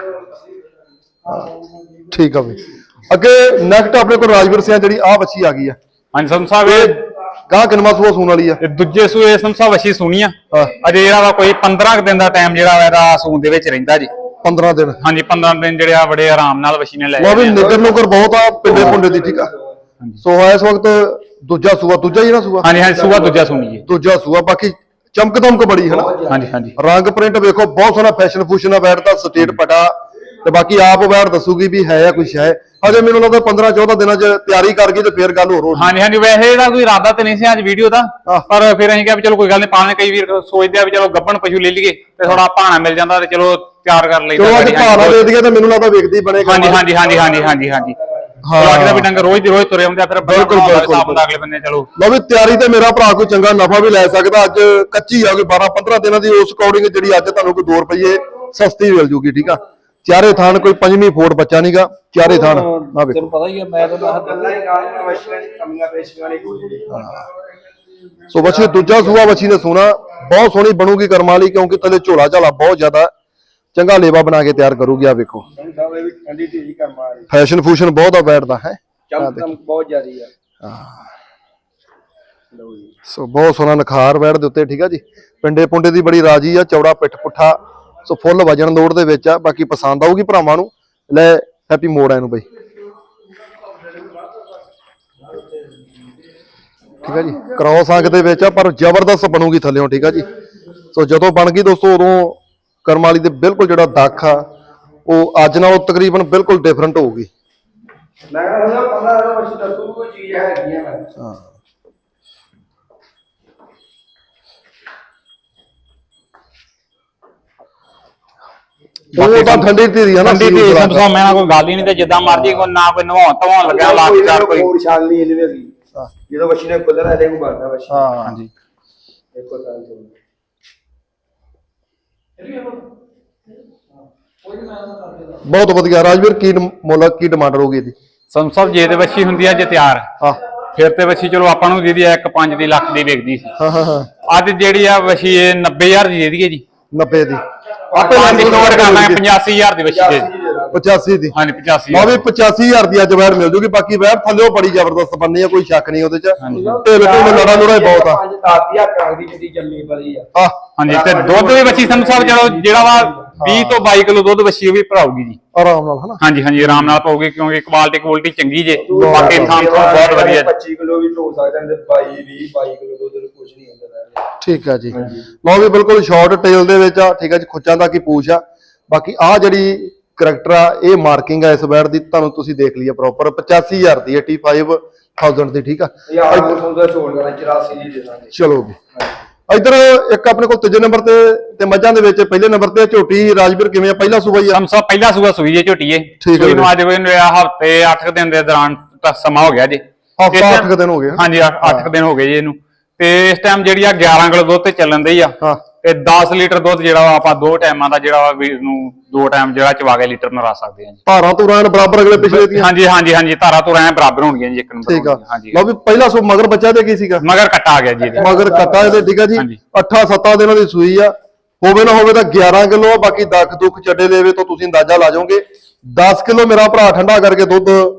ਠੀਕ ਆ ਬਈ। ਅੱਗੇ ਨੈਕਸਟ ਆਪਣੇ ਕੋਲ ਰਾਜਵੀਰ ਸਿੰਘ ਜਿਹੜੀ ਆ ਬੱਚੀ ਆ ਗਈ ਆ
ਹਾਂਜੀ ਸਮ ਸਾਹਿਬ ਇਹ
ਗਾਂ ਕਿਨਵਾ ਸੂਆ ਸੂਣ ਵਾਲੀ ਆ?
ਤੇ ਦੂਜੇ ਸੂਏ ਸਮ ਸਾਹਿਬ ਅੱਛੀ ਸੁਣੀ ਆ
ਹਾਂ।
ਅਜੇ ਜਿਹੜਾ ਵਾ ਕੋਈ 15 ਕੁ ਦਿਨ ਦਾ ਟਾਈਮ ਜਿਹੜਾ ਵਾ ਇਹਦਾ ਸੂਣ ਦੇ ਵਿੱਚ ਰਹਿੰਦਾ ਜੀ
15 ਦਿਨ।
ਹਾਂਜੀ 15 ਦਿਨ ਜਿਹੜੇ ਆ ਬੜੇ ਆਰਾਮ ਨਾਲ ਵਸ਼ੀ ਨੇ ਲੈ
ਲਓ ਵੀ
ਜਾਣੇ ਆ।
ਨਿਗਰ ਨੁਗਰ ਬਹੁਤ ਆ ਪਿੰਡੇ ਪੁੰਡੇ ਦੀ ਠੀਕ ਆ। ਸੋ ਇਸ ਵਕਤ ਦੂਜਾ ਸੂਆ ਦੂਜਾ ਹੀ ਨਾ ਸੂਆ
ਹਾਂਜੀ ਹਾਂਜੀ ਸੂਆ ਦੂਜਾ ਸੁਣੀ ਜੀ
ਦੂਜਾ ਸੂਆ ਬਾਕੀ ਚਮਕ ਦਮਕ ਬੜੀ ਹੈ ਨਾ।
ਹਾਂਜੀ ਹਾਂਜੀ
ਰੰਗ ਪ੍ਰਿੰਟ ਵੇਖੋ ਬਹੁਤ ਸੋਹਣਾ ਫੈਸ਼ਨ ਫੂਸ਼ਨ ਆ ਬੈਠਦਾ ਸਟੇਟ ਪਟਾ ਤੇ ਬਾਕੀ ਆਪ ਬੈਠ ਦੱਸੂਗੀ ਵੀ ਹੈ ਜਾਂ ਕੁਛ ਹੈ। ਹਜੇ ਮੈਨੂੰ ਲੱਗਦਾ 15 14 ਦਿਨਾਂ ਚ ਤਿਆਰੀ ਕਰ ਗਈ ਤੇ ਫੇਰ ਗੱਲ ਹੋਰ ਹੋਣੀ।
ਹਾਂਜੀ ਹਾਂਜੀ ਵੈਸੇ ਇਹਦਾ ਕੋਈ ਇਰਾਦਾ ਤੇ ਨਹੀਂ ਸੀ ਅੱਜ ਵੀਡੀਓ ਦਾ ਪਰ ਫਿਰ ਅਸੀਂ ਕਿਹਾ ਵੀ ਚਲੋ ਕੋਈ ਗੱਲ ਨਹੀਂ ਪਾਣੇ ਕਈ ਵੀਰ ਸੋਚਦੇ ਆ ਵੀ ਚਲੋ ਗੱਬਣ ਪਸ਼ੂ ਲੈ ਲਈਏ ਤੇ ਥੋੜਾ ਭਾਣਾ ਮਿਲ ਜਾਂਦਾ ਤੇ ਚਲੋ ਤਿਆਰ ਕਰ ਲਈਦਾ
ਚਲੋ ਅੱਜ ਭਾਣਾ ਦੇ ਦਈਏ ਤਾਂ ਮੈਨੂੰ ਲੱਗਦਾ ਵੇਖਦੀ ਬਣੇਗਾ।
ਹਾਂਜੀ ਹਾਂਜੀ ਹਾਂਜੀ ਹਾਂਜੀ ਹਾਂਜੀ ਹਾਂਜੀ
ਹਾਂ।
ਲੱਗਦਾ ਵੀ ਡੰਗਰ ਰੋਜ਼ ਦੀ ਰੋਜ਼ ਤੁਰੇ ਹੁੰਦੇ ਆ ਫਿਰ
ਬਿਲਕੁਲ, ਬਿਲਕੁਲ।
ਅਗਲੇ ਬੰਦੇ ਚਲੋ
ਲਓ ਵੀ ਤਿਆਰੀ ਤੇ ਮੇਰਾ ਭਰਾ ਕੋਈ ਚੰਗਾ ਨਫਾ ਵੀ ਲੈ ਸਕਦਾ। ਅੱਜ ਕੱਚੀ ਆ ਕੋਈ 12 15 ਦਿਨਾਂ ਦੀ ਉਸ ਅਕੋਰਡਿੰਗ ਜਿਹੜੀ ਅੱਜ ਤੁਹਾਨੂੰ ਕੋਈ 2 ਰੁਪਏ ਸਸਤੀ ਮਿਲ ਜੂਗੀ ਠੀਕ ਆ। ਚਾਰੇ ਥਾਨ ਕੋਈ ਪੰਜਵੀਂ ਫੋਟ ਬੱਚਾ ਨਹੀਂਗਾ ਚਾਰੇ ਥਾਨ ਨਾ ਵੇਖੋ।
ਤੈਨੂੰ ਪਤਾ ਹੀ ਆ ਮੈਂ ਤਾਂ
ਗੱਲਾਂ ਹੀ ਗਾਲਾਂ ਵਸ਼ੀਆਂ ਦੀ ਕਮੀਆਂ ਪੇਸ਼ੀਆਂ ਨਹੀਂ ਕੋਈ
ਸੋ ਬੱਚੇ ਦੂਜਾ ਸੂਆ ਬੱਚੀ ਨੇ ਸੋਨਾ ਬਹੁਤ ਸੋਹਣੀ ਬਣੂਗੀ ਕਰਮਾਂ ਵਾਲੀ ਕਿਉਂਕਿ ਥੱਲੇ ਝੋਲਾ ਝਾਲਾ ਬਹੁਤ ਜ਼ਿਆਦਾ ਚੰਗਾ ਲੇਵਾ ਬਣਾ ਕੇ ਤਿਆਰ ਕਰੂਗੀ ਆ ਵੇਖੋ।
ਸਾਹਿਬ ਇਹ ਵੀ ਠੰਡੀ ਢੀਜੀ ਕਰ ਮਾਰੀ
ਫੈਸ਼ਨ ਫੂਸ਼ਨ ਬਹੁਤ ਆ ਬੈਠਦਾ ਹੈ।
ਚਮਕ ਬਹੁਤ ਜ਼ਿਆਦੀ ਆ
ਸੋ ਬਹੁਤ ਸੋਹਣਾ ਨਖਾਰ ਬੈਠ ਦੇ ਉੱਤੇ ਠੀਕ ਆ ਜੀ। ਪਿੰਡੇ ਪੁੰਡੇ ਦੀ ਬੜੀ ਰਾਜੀ ਆ ਚੌੜਾ ਪਿੱਠ ਪੁੱਠਾ ਸੋ ਫੁੱਲ ਵਜਨ ਲੋੜ ਦੇ ਵਿੱਚ ਆ। ਬਾਕੀ ਪਸੰਦ ਆਊਗੀ ਭਰਾਵਾਂ ਨੂੰ ਲੈ ਹੈਪੀ ਮੋੜ ਆ ਇਹਨੂੰ ਬਈ ਠੀਕ ਆ ਜੀ। ਕ੍ਰੋਸ ਅੰਕ ਦੇ ਵਿੱਚ ਆ ਪਰ ਜ਼ਬਰਦਸਤ ਬਣੂਗੀ ਥੱਲਿਓਂ ਠੀਕ ਆ ਜੀ। ਸੋ ਜਦੋਂ ਬਣ ਗਈ ਦੋਸਤੋ ਉਦੋਂ ਕਰਮ ਵਾਲੀ ਦੇ ਬਿਲਕੁਲ ਜਿਹੜਾ ਦੱਖ ਆ ਉਹ ਅੱਜ ਨਾਲੋਂ ਤਕਰੀਬਨ ਬਿਲਕੁਲ ਡਿਫਰੈਂਟ ਹੋਊਗੀ।
ਮੈਂ ਕਹਿੰਦਾ 15 ਵਸ਼ੀ ਦੱਸੂ ਕੋਈ ਚੀਜ਼ ਹੈਗੀ ਆ ਮੈਂ
ਹਾਂ ਉਹ ਤਾਂ ਠੰਡੀ ਧੀਰੀ ਆ ਨਾ
ਠੰਡੀ ਤੇ ਸਭ ਤੋਂ ਮੈਂ ਨਾ ਕੋਈ ਗੱਲ ਹੀ ਨਹੀਂ ਤੇ ਜਿੱਦਾਂ ਮਰਜੀ ਕੋਈ ਨਾ ਕੋਈ ਨਵਾਉਣ ਧਵਾਉਣ ਲੱਗਿਆ ਲੱਖ ਚਾਰ ਕੋਈ
ਹੋਰ ਸ਼ਾਨ ਨਹੀਂ ਇਹਦੇ ਵਿੱਚ ਜਦੋਂ ਵਸ਼ੀ ਨੇ ਖੁੱਲਣਾ ਇਹਦੇ ਕੋ ਬਾਦਾ ਵਸ਼ੀ
ਹਾਂ
ਹਾਂਜੀ
ਇੱਕੋ ਸਾਲ ਤੋਂ
ਬਹੁਤ ਵਧੀਆ। ਰਾਜਵੀਰ ਕੀ ਮੁੱਲ ਕੀ ਡਿਮਾਂਡ ਰਹੂਗੀ ਇਹਦੀ?
ਸੰਸਬ ਜੇ ਤੇ ਬੱਚੀ ਹੁੰਦੀ ਆ ਜੇ ਤਿਆਰ
ਹਾਂ
ਫਿਰ ਤੇ ਬੱਚੀ ਚਲੋ ਆਪਾਂ ਨੂੰ ਦੀਦੀ 1.5 ਦੀ ਲੱਖ ਦੀ ਵਿਕਦੀ ਸੀ
ਹਾਂ ਹਾਂ ਹਾਂ
ਅੱਜ ਜਿਹੜੀ ਆ ਬੱਚੀ ਇਹ 90000 ਦੀ ਦੇ ਦਈਏ ਜੀ
90 ਦੀ
ਆਪੇ ਲਾਂਗੇ ਨੋਟ ਕਰ ਲਾਂਗੇ 85000 ਦੀ ਬੱਚੀ ਦੇ
85 ਦੀ
ਹਾਂਜੀ 85
ਲਓ ਵੀ 85000 ਦੀ ਅੱਜ ਵੈਰ ਮਿਲ ਜੂਗੀ। ਬਾਕੀ ਵੈਰ ਥੱਲੇ ਬੜੀ ਜ਼ਬਰਦਸਤ ਬੰਨੀ ਆ ਕੋਈ ਸ਼ੱਕ ਨਹੀਂ ਉਹਦੇ ਚ ਢਿੱਲ ਢੁੱਲ ਲੜਾ ਲੁੜਾ ਹੀ ਬਹੁਤ ਆ।
5-10 ਹਜ਼ਾਰ ਦੀ ਜਿਹੜੀ ਜੰਮੀ ਪਲੀ ਆ
ਆ
ਹਾਂਜੀ ਤੇ ਦੁੱਧ ਵੀ ਬੱਚੀ ਸੰਧੂ ਸਾਹਿਬ ਚਲੋ ਜਿਹੜਾ ਵਾ 20 ਤੋਂ 22 ਕਿਲੋ ਦੁੱਧ ਬੱਚੀ ਉਹ ਵੀ ਭਰਾਊਗੀ ਜੀ
ਆਰਾਮ ਨਾਲ ਹਨਾ।
ਹਾਂਜੀ ਹਾਂਜੀ ਆਰਾਮ ਨਾਲ ਪਾਉਗੀ ਕਿਉਂਕਿ ਕੁਆਲਿਟੀ ਚੰਗੀ ਜੇ ਬਾਕੀ ਥਾਂ ਤੋਂ ਬਹੁਤ ਵਧੀਆ
25 ਕਿਲੋ ਵੀ ਢੋ ਸਕਦੇ ਨੇ 22 ਕਿਲੋ ਦੁੱਧ ਕੁਝ ਨਹੀਂ ਹੁੰਦਾ
ਠੀਕ ਆ ਜੀ। ਲਓ ਵੀ ਬਿਲਕੁਲ ਸ਼ਾਰਟ ਟੇਲ ਦੇ ਵਿੱਚ ਆ ਠੀਕ ਆ ਜੀ। ਖੁੱਚਾਂ ਦਾ ਕੀ ਪੂਛ ਆ। ਬਾਕੀ ਆ ਜਿਹੜੀ ਕਰੈਕਟਰ ਆ ਇਹ ਮਾਰਕਿੰਗ ਆ ਇਸ ਵੈਰ ਦੀ ਤੁਹਾਨੂੰ ਤੁਸੀਂ ਦੇਖ ਲਈਏ ਪ੍ਰੋਪਰ 85000 ਦੀ 85000 ਦੀ ਠੀਕ ਆ।
ਯਾਰ ਮੌਸਮ ਦਾ ਛੋੜ ਕਰਾਂ 84 ਦੀ ਦੇ ਦਾਂਗੇ
ਚਲੋ ਵੀ ਇਧਰ ਇੱਕ ਆਪਣੇ ਕੋਲ ਤੀਜੇ ਨੰਬਰ ਤੇ ਮੱਝਾਂ ਦੇ ਵਿੱਚ ਪਹਿਲੇ ਨੰਬਰ ਤੇ ਝੋਟੀ ਰਾਜਵੀਰ ਕਿਵੇਂ ਆ? ਪਹਿਲਾ ਸੂਬਾ ਹੀ ਆ?
ਸਮਸਾ ਪਹਿਲਾ ਸੂਆ ਸੂਈ ਜੇ ਝੋਟੀਏ
ਠੀਕ ਹੈ
ਸੂਈ ਨੂੰ ਅੱਜ ਕੋਈ ਹਫਤੇ 8 ਦਿਨ ਦੇ ਦੌਰਾਨ ਤੱਕ ਸਮਾਂ ਹੋ ਗਿਆ ਜੀ
ਹਫਤਾ 8 ਦਿਨ ਹੋ ਗਏ।
ਹਾਂਜੀ 8 ਦਿਨ ਹੋ ਗਏ ਜੀ ਇਹਨੂੰ ਤੇ ਇਸ ਟਾਈਮ ਜਿਹੜੀ ਆ 11 ਕਿਲੋ ਦੁੱਧ ਤੇ ਚੱਲਣ ਦੀ ਆ
ਹਾਂ
ਤੇ 10 ਲੀਟਰ ਦੁੱਧ ਜਿਹੜਾ ਵਾ ਆਪਾਂ 2 ਟਾਈਮਾਂ ਦਾ ਜਿਹੜਾ ਵਾ ਵੀਰ ਨੂੰ 2 ਟਾਈਮ ਜਿਹੜਾ ਚਵਾ ਕੇ ਲੀਟਰ ਨਰਾ ਸਕਦੇ ਹਾਂ ਜੀ।
ਧਾਰਾਂ ਧੁਰਾਂ ਬਰਾਬਰ ਅਗਲੇ ਪਿਛਲੇ ਦੀਆਂ
ਹਾਂਜੀ ਹਾਂਜੀ ਹਾਂਜੀ ਧਾਰਾ ਤੋਂ ਐ ਬਰਾਬਰ ਹੋਣਗੀਆਂ ਜੀ ਇੱਕ ਨੰਬਰ
ਠੀਕ ਆ।
ਹਾਂਜੀ
ਲਓ ਵੀ ਪਹਿਲਾ ਸੂ ਮਗਰ ਬੱਚਾ ਤੇ ਕੀ ਸੀਗਾ?
ਮਗਰ ਕੱਟਾ ਆ ਗਿਆ ਜੀ ਇਹਦੇ
ਮਗਰ ਕੱਟਾ ਇਹਦੇ ਠੀਕ ਆ ਜੀ।
ਹਾਂਜੀ।
8-7 ਦਿਨਾਂ ਦੀ ਸੂਈ ਆ। ਹੋਵੇ ਨਾ ਹੋਵੇ ਤਾਂ 11 ਕਿਲੋ ਆ। ਬਾਕੀ ਦੱਖ ਦੁੱਖ ਚੱਡੇ ਲੈਵੇ ਤੋਂ ਤੁਸੀਂ ਅੰਦਾਜ਼ਾ ਲਾ ਜਾਓਗੇ 10 ਕਿਲੋ ਮੇਰਾ ਭਰਾ ਠੰਡਾ ਕਰਕੇ ਦੁੱਧ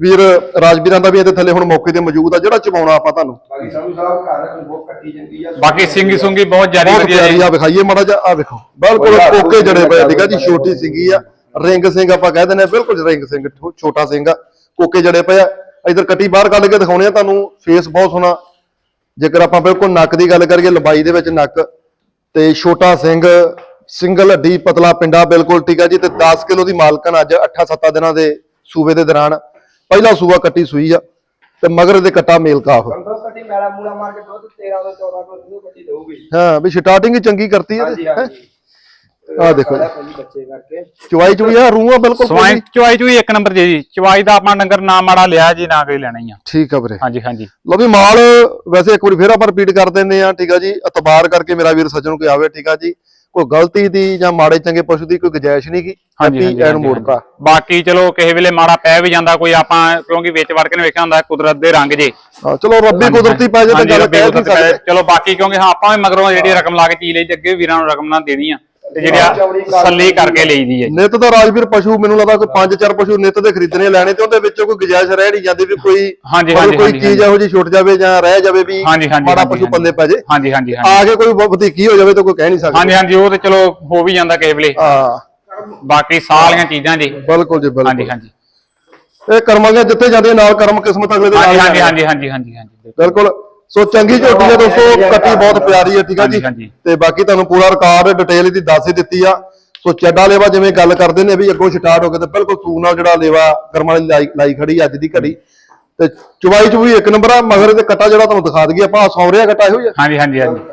ਵੀਰ ਰਾਜਵੀਰਾਂ ਦਾ ਵੀ ਇਹਦੇ ਥੱਲੇ ਹੁਣ ਮੌਕੇ ਤੇ ਮੌਜੂਦ ਆ ਜਿਹੜਾ ਚਵਾਉਣਾ ਆਪਾਂ ਤੁਹਾਨੂੰ।
ਬਾਕੀ ਸੰਧੂ ਸਾਹਿਬ ਘਰ ਰੱਖਣ ਬਹੁਤ ਕੱਟੀ ਜਾਂਦੀ ਆ।
ਬਾਕੀ ਸਿੰਗੀ ਸੁੰਗੀ ਬਹੁਤ ਜ਼ਿਆਦਾ
ਬਹੁਤ
ਵਧੀਆ
ਪਿਆਰੀ
ਜੀ।
ਆ, ਵਿਖਾਈਏ ਮਾੜਾ ਜਿਹਾ, ਆ ਵੇਖੋ ਬਿਲਕੁਲ ਕੋਕੇ ਜੜੇ ਪਏ ਠੀਕ ਆ ਜੀ, ਛੋਟੀ ਸਿੰਗੀ ਆ, ਰਿੰਗ ਸਿੰਘ ਆਪਾਂ ਕਹਿ ਦਿੰਦੇ ਆ, ਬਿਲਕੁਲ ਰਿੰਗ ਸਿੰਘ ਛੋਟਾ ਸਿੰਘ ਆ, ਕੋਕੇ ਜੜੇ ਪਏ ਆ। ਇਧਰ ਕੱਟੀ ਬਾਹਰ ਕੱਢ ਕੇ ਦਿਖਾਉਣੇ ਆ ਤੁਹਾਨੂੰ, ਫੇਸ ਬਹੁਤ ਸੋਹਣਾ। ਜੇਕਰ ਆਪਾਂ ਬਿਲਕੁਲ ਨੱਕ ਦੀ ਗੱਲ ਕਰੀਏ, ਲੰਬਾਈ ਦੇ ਵਿੱਚ ਨੱਕ ਤੇ ਛੋਟਾ ਸਿੰਘ, ਸਿੰਗਲ ਹੱਡੀ ਪਤਲਾ ਪਿੰਡਾ ਬਿਲਕੁਲ ਠੀਕ ਆ ਜੀ। ਤੇ 10 ਕਿਲੋ ਦੀ ਮਾਲਕਨ ਅੱਜ 8-7 ਦਿਨਾਂ ਦੇ ਸੂਬੇ ਦੇ ਦੌਰਾਨ ਪਹਿਲਾ ਸੂਬਾ ਕੱਟੀ ਸੂਈ ਆ ਤੇ ਮਗਰ ਦੇ ਕੱਟਾ ਮੇਲ ਕਾਫ।
ਕੱਟੀ ਮੈਲਾ ਮੂਲਾ ਮਾਰ ਕੇ ਦੁੱਧ 13 ਤੋਂ 14 ਕਿਲੋ ਕੱਟੀ ਦੇਊਗੀ।
ਹਾਂ ਵੀ ਸਟਾਰਟਿੰਗ ਹੀ ਚੰਗੀ ਕਰਤੀ ਆ।
ਹਾਂਜੀ ਹਾਂਜੀ
ਆ ਦੇਖੋ ਜੀ,
ਬੱਚੇ ਕਰਕੇ
ਚਵਾਈ ਚੁਈ ਆ, ਰੂਹਾਂ ਬਿਲਕੁਲ
ਸਵਾਈ ਚਵਾਈ ਚੁਈ ਇੱਕ ਨੰਬਰ ਜੀ। ਚਵਾਈ ਦਾ ਆਪਣਾ ਡੰਗਰ ਨਾ ਮਾੜਾ ਲਿਆ ਜੀ, ਨਾ ਕੋਈ ਲੈਣਾ ਹੀ ਆ।
ਠੀਕ ਆ ਵੀਰੇ।
ਹਾਂਜੀ ਹਾਂਜੀ
ਲਓ ਵੀ ਮਾਲ ਵੈਸੇ ਇੱਕ ਵਾਰੀ ਫੇਰ ਆਪਾਂ ਰਿਪੀਟ ਕਰ ਦਿੰਦੇ ਆ ਠੀਕ ਆ ਜੀ। ਇਤਬਾਰ ਕਰਕੇ ਮੇਰਾ ਵੀਰ ਸੱਜਣ ਕੋਈ ਆਵੇ ਠੀਕ ਆ ਜੀ, ਕੋਈ ਗਲਤੀ ਦੀ ਜਾਂ ਮਾੜੇ ਚੰਗੇ ਪਸ਼ੂ ਦੀ ਕੋਈ ਗੁਜਾਇਸ਼ ਨਹੀਂ ਕੀ।
ਹਾਂਜੀ
ਐਨ ਮੋੜਤਾ।
ਬਾਕੀ ਚਲੋ ਕਿਸੇ ਵੇਲੇ ਮਾੜਾ ਪੈ ਵੀ ਜਾਂਦਾ ਕੋਈ, ਆਪਾਂ ਕਿਉਂਕਿ ਵਿੱਚ ਵੜ ਕੇ ਨੇ ਵੇਖਿਆ ਹੁੰਦਾ ਕੁਦਰਤ ਦੇ ਰੰਗ ਜੇ।
ਹਾਂ ਚਲੋ ਰੱਬੀ ਕੁਦਰਤੀ ਪੈ ਜੇ ਤਾਂ ਗੱਲ ਕਹਿ ਨਹੀਂ ਸਕਦੇ।
ਚਲੋ ਬਾਕੀ ਕਿਉਂਕਿ ਹਾਂ ਆਪਾਂ ਵੀ ਮਗਰੋਂ ਜਿਹੜੀ ਰਕਮ ਲਾ ਕੇ ਚੀਜ਼ ਲਈ, ਅੱਗੇ ਵੀਰਾਂ ਨੂੰ ਰਕਮ ਨਾ ਦੇਣੀ ਆ ਤੇ ਜਿਹੜੀ ਸੱਲੀ ਕਰਕੇ ਲਈਦੀ ਹੈ।
ਨਿੱਤ ਦਾ ਰਾਜਵੀਰ ਪਸ਼ੂ ਮੈਨੂੰ ਲੱਗਦਾ ਕੋਈ 5-4 ਪਸ਼ੂ ਨਿੱਤ ਦੇ ਖਰੀਦਣੇ ਲੈਣੇ ਤੇ ਉਹਦੇ ਵਿੱਚੋਂ ਕੋਈ ਗੁਜਾਇਸ਼ ਰਹਿ ਨਹੀਂ ਜਾਂਦੀ ਵੀ ਕੋਈ ਕੋਈ ਚੀਜ਼ ਇਹੋ ਜਿਹੀ ਛੁੱਟ ਜਾਵੇ ਜਾਂ ਰਹਿ ਜਾਵੇ ਵੀ ਮਾੜਾ ਪਸ਼ੂ ਪੱਲੇ ਪੈ ਜੇ।
ਹਾਂਜੀ ਹਾਂਜੀ
ਆ ਕੇ ਕੋਈ ਵਧੀਕੀ ਹੋ ਜਾਵੇ ਤਾਂ ਕੋਈ ਕਹਿ ਨਹੀਂ ਸਕਦਾ।
ਹਾਂਜੀ ਹਾਂਜੀ ਉਹ ਤੇ ਚਲੋ ਹੋ ਵੀ ਜਾਂਦਾ ਕਿਸੇ ਵੇਲੇ।
ਹਾਂ
ਬਾਕੀ ਸਾਰੀਆਂ ਚੀਜ਼ਾਂ ਜੀ
ਬਿਲਕੁਲ ਜੀ ਬਿਲਕੁਲ।
ਹਾਂਜੀ ਹਾਂਜੀ
ਇਹ ਕਰਮਾਂ ਦੇ ਜਿੱਥੇ ਜਾਂਦੇ ਨਾਲ ਕਰਮ ਕਿਸਮਤ ਅਗਲੇ ਦੇ ਨਾਲ।
ਹਾਂਜੀ ਹਾਂਜੀ ਹਾਂਜੀ ਹਾਂਜੀ ਹਾਂਜੀ
ਬਿਲਕੁਲ। ਸੋ ਚੰਗੀ ਝੋਟੀ ਹੈ ਦੋਸਤੋ, ਕੱਟੀ ਬਹੁਤ ਪਿਆਰੀ ਹੈ ਠੀਕ ਆ ਜੀ। ਤੇ ਬਾਕੀ ਤੁਹਾਨੂੰ ਪੂਰਾ ਰਿਕਾਰਡ ਡਿਟੇਲ ਇਹਦੀ ਦੱਸ ਹੀ ਦਿੱਤੀ ਆ। ਸੋ ਚੱਡਾ ਲੇਵਾ ਜਿਵੇਂ ਗੱਲ ਕਰਦੇ ਨੇ ਵੀ ਅੱਗੋਂ ਸਟਾਰਟ ਹੋ ਕੇ ਤੇ ਬਿਲਕੁਲ ਸੂਰ ਨਾਲ ਜਿਹੜਾ ਲੇਵਾ ਕਰਮਾਂ ਵਾਲੀ ਲਾਈ ਖੜੀ ਅੱਜ ਦੀ ਘੜੀ ਤੇ ਚੁਵਾਈ ਚੁਈ ਇੱਕ ਨੰਬਰ ਆ। ਮਗਰ ਤੇ ਕੱਟਾ ਜਿਹੜਾ ਤੁਹਾਨੂੰ ਦਿਖਾ ਦਈਏ ਆਪਾਂ, ਸੌਰਿਆ ਕੱਟਾ ਇਹੋ ਜਿਹਾ।
ਹਾਂਜੀ ਹਾਂਜੀ ਹਾਂਜੀ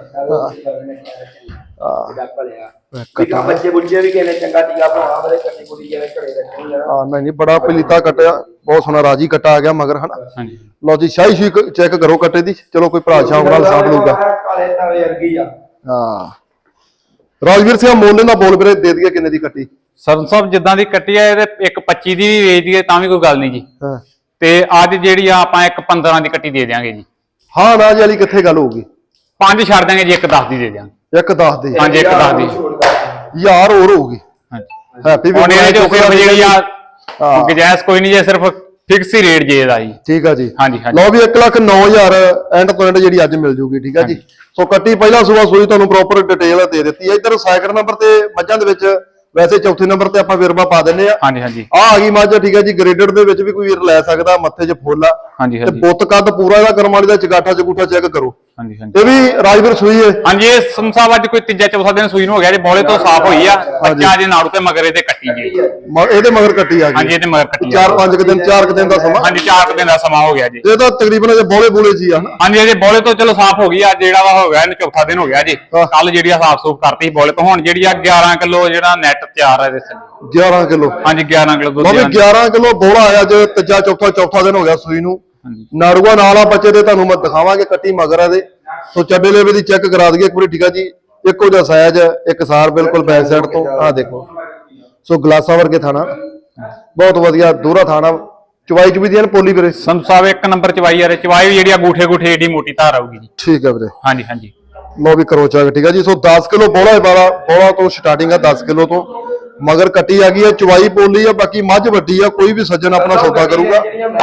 ਕੱਟਾ ਬੱਚੇ ਬੁੱਝੇ ਵੀ ਕਿਨੇ ਚੰਗਾ ਟੀਕਾ ਪਾਉਣਾ ਬਰੇ ਕੱਟੀ ਕੁੜੀ ਜਿਵੇਂ ਘੜੇ ਰੱਖਣੀ ਆ।
ਹਾਂ ਨਹੀਂ ਬੜਾ ਪਲੀਤਾ ਕੱਟਿਆ, ਬਹੁਤ ਸੋਹਣਾ ਰਾਜੀ ਕੱਟਾ ਆ ਗਿਆ ਮਗਰ ਹਨਾ।
ਹਾਂਜੀ
ਲਓ ਜੀ ਸ਼ਾਹੀ ਚੈੱਕ ਕਰੋ ਕੱਟੇ ਦੀ। ਚਲੋ ਕੋਈ ਭਰਾ ਸ਼ਾਮ ਨਾਲ ਸਾਂਭ ਲਊਗਾ।
ਕਾਲੇ ਤਾਵੇ ਵਰਗੀ ਆ।
ਹਾਂ ਰਾਜਵੀਰ ਸਿੰਘ ਮੋਲੇ ਦਾ ਬੋਲ ਵੀਰੇ ਦੇ ਦਈਏ ਕਿੰਨੇ ਦੀ ਕੱਟੀ?
ਸਰਨ ਸਾਹਿਬ ਜਿੱਦਾਂ ਦੀ ਕੱਟੀ ਆ ਇਹਦੇ ਇੱਕ 25 ਦੀ ਵੀ ਵੇਚ ਦਈਏ ਤਾਂ ਵੀ ਕੋਈ ਗੱਲ ਨਹੀਂ ਜੀ।
ਹਾਂ
ਤੇ ਅੱਜ ਜਿਹੜੀ ਆ ਆਪਾਂ ਇੱਕ 15 ਦੀ ਕੱਟੀ ਦੇ ਦਿਆਂਗੇ ਜੀ।
ਹਾਂ ਨਾ ਜੀ ਵਾਲੀ ਕਿੱਥੇ ਗੱਲ ਹੋਊਗੀ?
5 ਛੱਡ ਦਾਂਗੇ ਜੀ, ਇੱਕ 10 ਦੀ ਦੇ ਦਿਆਂਗੇ।
ਇੱਕ 10 ਦੀ?
ਹਾਂਜੀ ਇੱਕ 10 ਦੀ
ਯਾਰ ਹੋਰ ਹੋਊਗੀ।
ਹਾਂਜੀ
ਹੈਪੀ ਵੀ
ਹੁਣ ਇਹਦੇ ਚੋਂ ਸਿਰਫ ਜਿਹੜੀ ਆ
ਹਾਂ
ਗੁਜਾਇਸ਼ ਕੋਈ ਨਹੀਂ ਜੇ, ਸਿਰਫ ਫਿਕਸ ਹੀ ਰੇਟ ਜੇ ਇਹਦਾ ਜੀ।
ਠੀਕ ਆ ਜੀ।
ਹਾਂਜੀ ਹਾਂਜੀ
ਲਓ ਵੀ 1,09,000 ਐਂਡ ਤੋਂ ਐਂਡ ਜਿਹੜੀ ਅੱਜ ਮਿਲ ਜੂਗੀ ਠੀਕ ਆ ਜੀ। ਸੋ ਕੱਟੀ ਪਹਿਲਾ ਸੂਆ ਸੂਈ ਤੁਹਾਨੂੰ ਪ੍ਰੋਪਰ ਡਿਟੇਲ ਦੇ ਦਿੱਤੀ ਹੈ। ਇੱਧਰ ਸੈਕਿੰਡ ਨੰਬਰ ਤੇ ਮੱਝਾਂ ਦੇ ਵਿੱਚ ਵੈਸੇ ਚੌਥੇ ਨੰਬਰ ਤੇ ਆਪਾਂ ਵਿਰਮਾ ਪਾ ਦਿੰਨੇ ਆ।
ਹਾਂਜੀ ਹਾਂਜੀ
ਆ ਗਈ ਮੱਝ ਠੀਕ ਆ ਜੀ, ਗ੍ਰੇਡਡ ਦੇ ਵਿੱਚ ਵੀ ਕੋਈ ਵੀਰ ਲੈ ਸਕਦਾ, ਮੱਥੇ 'ਚ ਫੁੱਲ ਆ
ਹਾਂਜੀ
ਤੇ
ਹਾਂਜੀ
ਬੁੱਤ ਕੱਦ ਪੂਰਾ ਇਹਦਾ ਕਰਮ ਵਾਲੀ ਦਾ ਚਗਾਠਾ ਚਗੂਠਾ ਚੈੱਕ ਕਰੋ।
ਹਾਂਜੀ ਹਾਂਜੀ
ਇਹ ਵੀ ਰਾਜਵੀਰ ਸੂਈ ਹੈ।
ਹਾਂਜੀ ਇਹ ਸੰਸਾਬ ਅੱਜ ਕੋਈ ਤੀਜਾ ਚੌਥਾ ਦਿਨ ਸੂਈ ਨੂੰ ਹੋ ਗਿਆ ਜੀ। ਬੋਲੇ ਤੋਂ ਸਾਫ਼ ਹੋਈ ਆ। ਬੱਚਾ ਜੇ ਨਾੜੂ ਤੇ ਮਗਰੇ ਤੇ ਕੱਟੀ ਜੀ।
ਇਹਦੇ ਮਗਰ ਕੱਟੀ ਆ ਗਈ।
ਹਾਂਜੀ ਇਹਦੇ ਮਗਰ ਕੱਟੀ
4-5 ਦਿਨ 4 ਦਿਨ ਦਾ ਸਮਾਂ।
ਹਾਂਜੀ 4 ਦਿਨ ਦਾ ਸਮਾਂ ਹੋ ਗਿਆ ਜੀ।
ਇਹ ਤਾਂ ਤਕਰੀਬਨ ਅਜੇ ਬੋਲੇ ਬੋਲੇ ਸੀ ਆ।
ਹਾਂਜੀ ਇਹਦੇ ਬੋਲੇ ਤੋਂ ਚਲੋ ਸਾਫ਼ ਹੋ ਗਈ। ਅੱਜ ਜਿਹੜਾ ਵਾ ਹੋ ਗਿਆ ਇਹਨੂੰ ਚੌਥਾ ਦਿਨ ਹੋ ਗਿਆ ਜੀ। ਕੱਲ ਜਿਹੜੀ ਆ ਸਾਫ਼ ਸੂਫ ਕਰਤੀ ਬੋਲੇ ਤੋਂ। ਹੁਣ ਜਿਹੜੀ ਆ 11 ਕਿਲੋ ਜਿਹੜਾ ਨੈਟ ਤਿਆਰ ਹੈ ਇਹਦੇ ਥੱਲੇ।
11 ਕਿਲੋ?
ਹਾਂਜੀ 11 ਕਿਲੋ ਦੁੱਧ।
11 ਕਿਲੋ ਬੋਲਾ ਆਇਆ ਜੇ ਤੀਜਾ ਚੌਥਾ ਦਿਨ ਹੋ ਗਿਆ ਸੂਈ ਨੂੰ। ਨਾੜੂਆ ਨਾਲ ਆ ਬੱਚੇ ਦੇ ਤੁਹਾਨੂੰ ਮੈਂ ਦਿਖਾਵਾਂਗੇ ਕੱਟੀ ਮਗਰ ਇਹਦੇ। ਸੋ ਚੱਡੇ ਲੇਵੇ ਦੀ ਚੈੱਕ ਕਰਾ ਦਈਏ ਇੱਕ ਵਾਰੀ ਠੀਕ ਆ ਜੀ। ਇੱਕੋ ਜਿਹਾ ਸਾਈਜ਼, ਇੱਕ ਸਾਰ ਬਿਲਕੁਲ ਬੈਕ ਸਾਈਡ ਤੋਂ। ਆਹ ਦੇਖੋ ਸੋ ਗਲਾਸਾਂ ਵਰਗੇ ਥਾਣਾ, ਬਹੁਤ ਵਧੀਆ ਦੂਰਾ ਥਾਣਾ। ਚਵਾਈ ਚ ਵੀ ਦੀਆਂ ਪੋਲੀ ਵੀਰੇ?
ਸੰਤ ਸਾਹਿਬ ਇੱਕ ਨੰਬਰ ਚਵਾਈ ਆ। ਚਵਾਈ ਵੀ ਜਿਹੜੀ ਆ ਗੂਠੇ ਗੂਠੇ ਏਡੀ ਮੋਟੀ ਧਾਰ ਆਊਗੀ ਜੀ।
ਠੀਕ ਆ ਵੀਰੇ।
ਹਾਂਜੀ ਹਾਂਜੀ
ਲੋ ਵੀ ਕਰੋ ਚੈੱਕ ਠੀਕ ਆ ਜੀ। ਸੋ 10 ਕਿਲੋ ਬੋਲਾ ਵਾਲਾ ਬੋਲਾ ਤੋਂ ਸਟਾਰਟਿੰਗ ਆ 10 ਕਿਲੋ ਤੋਂ। ਮਗਰ ਕੱਟੀ ਆ ਗਈ ਆ, ਚਵਾਈ ਪੋਲੀ ਆ। ਬਾਕੀ ਮੱਝ ਵੱਡੀ ਆ, ਕੋਈ ਵੀ ਸੱਜਣ ਆਪਣਾ ਸੌਦਾ ਕਰੂਗਾ।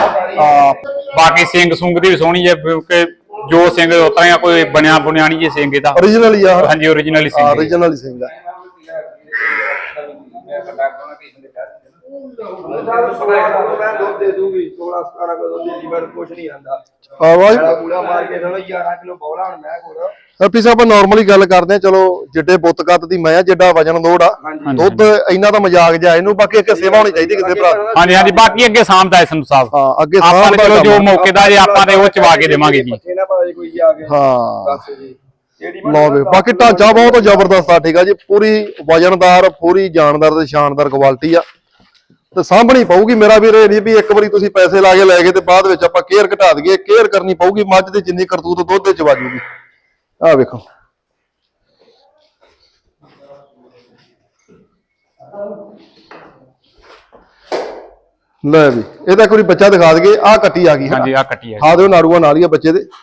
ਬਾਕੀ ਸਿੰਘ ਸੁੰਗ ਦੀ ਵੀ ਸੋਹਣੀ ਹੈ ਕਿਉਂਕਿ ਜੋ ਸਿੰਘ ਉਤਰਾ ਆ, ਕੋਈ ਬਣਿਆ ਬੁਣਿਆ ਨਹੀਂ ਜੇ ਸਿੰਘ ਇਹਦਾ।
ਓਰੀਜਨਲ ਹੀ ਆ?
ਹਾਂਜੀ ਓਰੀਜਨਲ ਹੀ ਸਿੰਘ।
ਓਰੀਜਨਲ ਹੀ ਸਿੰਘ ਆ।
ਦੁੱਧ ਦੇ ਦੂਗੀ 16-17 ਕਿਲੋ ਦੁੱਧ ਦੀ ਬੜ ਕੁਛ ਨਹੀਂ ਆਂਦਾ।
ਆਵਾਜ਼
ਪੂਰਾ ਮਾਰ ਕੇ ਚਲੋ 11 ਕਿਲੋ ਬੋਲਾ ਹੁਣ ਮੈਂ ਕੋਲ।
ਹੈਪੀ ਸਾਹਿਬ ਆਪਾਂ ਨਾਰਮਲੀ ਗੱਲ ਕਰਦੇ ਆ। ਚਲੋ ਜਿੱਡੇ ਬੁੱਤ ਕੱਦ ਦੀ ਮੈਂ ਜਿੱਡਾ ਵਜਨ ਲੋੜ ਆ, ਦੁੱਧ ਇੰਨਾ ਤਾਂ ਮਜ਼ਾਕ ਜਾ ਇਹਨੂੰ। ਬਾਕੀ ਇੱਕ ਸੇਵਾ ਹੋਣੀ ਚਾਹੀਦੀ ਕਿਸੇ ਭਰਾ।
ਹਾਂਜੀ ਹਾਂਜੀ ਬਾਕੀ ਅੱਗੇ ਸਾਂਭਦਾ ਹੈ ਸੰਤ ਸਾਹਿਬ।
ਹਾਂ ਅੱਗੇ
ਆਪਾਂ ਨੇ ਚਲੋ ਜੋ ਮੌਕੇ ਦਾ ਜੇ ਆਪਾਂ ਤੇ ਉਹ ਚਵਾ ਕੇ ਦੇਵਾਂਗੇ ਜੀ।
ਕੋਈ ਆ ਕੇ
ਹਾਂ
ਦੱਸ ਜੀ।
ਲਓ ਵੀ ਬਾਕੀ ਢਾਂਚਾ ਬਹੁਤ ਜ਼ਬਰਦਸਤ ਆ ਠੀਕ ਆ ਜੀ। ਪੂਰੀ ਵਜਨਦਾਰ, ਪੂਰੀ ਜਾਨਦਾਰ ਤੇ ਸ਼ਾਨਦਾਰ ਕੁਆਲਿਟੀ ਆ ਤੇ ਸਾਂਭਣੀ ਪਊਗੀ ਮੇਰਾ ਵੀਰ। ਇਹ ਨਹੀਂ ਵੀ ਇੱਕ ਵਾਰੀ ਤੁਸੀਂ ਪੈਸੇ ਲਾ ਕੇ ਲੈ ਗਏ ਤੇ ਬਾਅਦ ਵਿੱਚ ਆਪਾਂ ਕੇਅਰ ਘਟਾ ਦਈਏ। ਕੇਅਰ ਕਰਨੀ ਪਊਗੀ। ਮੱਝ ਦੀ ਜਿੰਨੀ ਕਰਤੂਤ ਦੁੱਧ ਦੇ ਚ ਵਾਜੂਗੀ। ਆਹ ਵੇਖੋ ਲੈ ਵੀ ਇਹਦਾ ਇੱਕ ਵਾਰੀ ਬੱਚਾ ਦਿਖਾ ਦਈਏ। ਆਹ ਕੱਟੀ ਆ ਗਈ।
ਹਾਂਜੀ ਆਹ ਕੱਟੀ ਆ।
ਹਾਂ ਦਿਓ ਨਾੜੂਆ ਨਾਲ ਹੀ ਆ ਬੱਚੇ ਦੇ।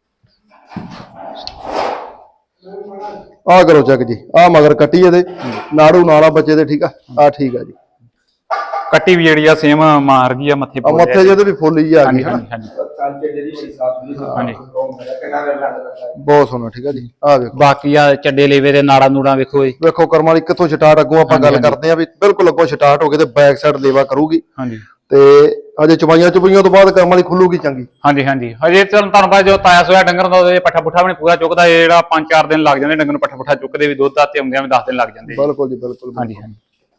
ਆਹ ਕਰੋ ਚੈੱਕ ਜੀ। ਆਹ ਮਗਰ ਕੱਟੀ ਇਹਦੇ, ਨਾੜੂ ਨਾਲ ਆ ਬੱਚੇ ਦੇ। ਠੀਕ ਆ ਆਹ ਠੀਕ ਆ ਜੀ।
ਕੱਟੀ ਵੀ ਜਿਹੜੀ ਆ ਸੇਮ ਮਾਰ ਗਈ ਆ ਮੱਥੇ
ਆ ਮੱਥੇ ਜਿਹਦੇ ਵੀ ਫੁੱਲ ਹੀ ਆ ਗਈ
ਹਾਂਜੀ ਹਾਂਜੀ ਹਾਂਜੀ
ਬਹੁਤ ਸੋਹਣਾ ਠੀਕ ਆ ਜੀ ਆ ਵੇਖੋ
ਬਾਕੀ ਆ ਚੱਡੇ ਲੇਵੇ ਦੇ ਨਾੜਾ ਨੂੜਾ ਵੇਖੋ ਜੀ
ਵੇਖੋ ਕਰਮ ਵਾਲੀ ਕਿੱਥੋਂ ਸਟਾਰਟ ਅੱਗੋਂ ਆਪਾਂ ਗੱਲ ਕਰਦੇ ਆ ਵੀ ਬਿਲਕੁਲ ਅੱਗੋਂ ਸਟਾਰਟ ਹੋ ਕੇ ਤੇ ਬੈਕ ਸਾਈਡ ਲੇਵਾ ਕਰੂਗੀ
ਹਾਂਜੀ
ਤੇ ਅਜੇ ਚੁਬਾਈਆਂ ਤੋਂ ਬਾਅਦ ਕਰਮ ਵਾਲੀ ਖੁੱਲੂਗੀ ਚੰਗੀ
ਹਾਂਜੀ ਹਾਂਜੀ ਹਜੇ ਤੁਹਾਨੂੰ ਪਤਾ ਜੋ ਤਾਇਆ ਸੋਇਆ ਡੰਗਰ ਦਾ ਉਹਦੇ ਪੱਠਾ ਪੁੱਠਾ ਵੀ ਨੀ ਪੂਰਾ ਚੁੱਕਦਾ ਇਹ ਜਿਹੜਾ 5-4 ਦਿਨ ਲੱਗ ਜਾਂਦੇ ਡੰਗਰ ਨੂੰ ਪੱਠਾ ਪੁੱਠਾ ਚੁੱਕਦੇ ਵੀ ਦੁੱਧ ਆਤੇ ਆਉਂਦਿਆਂ ਵੀ 10 ਦਿਨ ਲੱਗ ਜਾਂਦੇ
ਬਿਲਕੁਲ ਜੀ ਬਿਲਕੁਲ
ਹਾਂਜੀ ਹਾਂਜੀ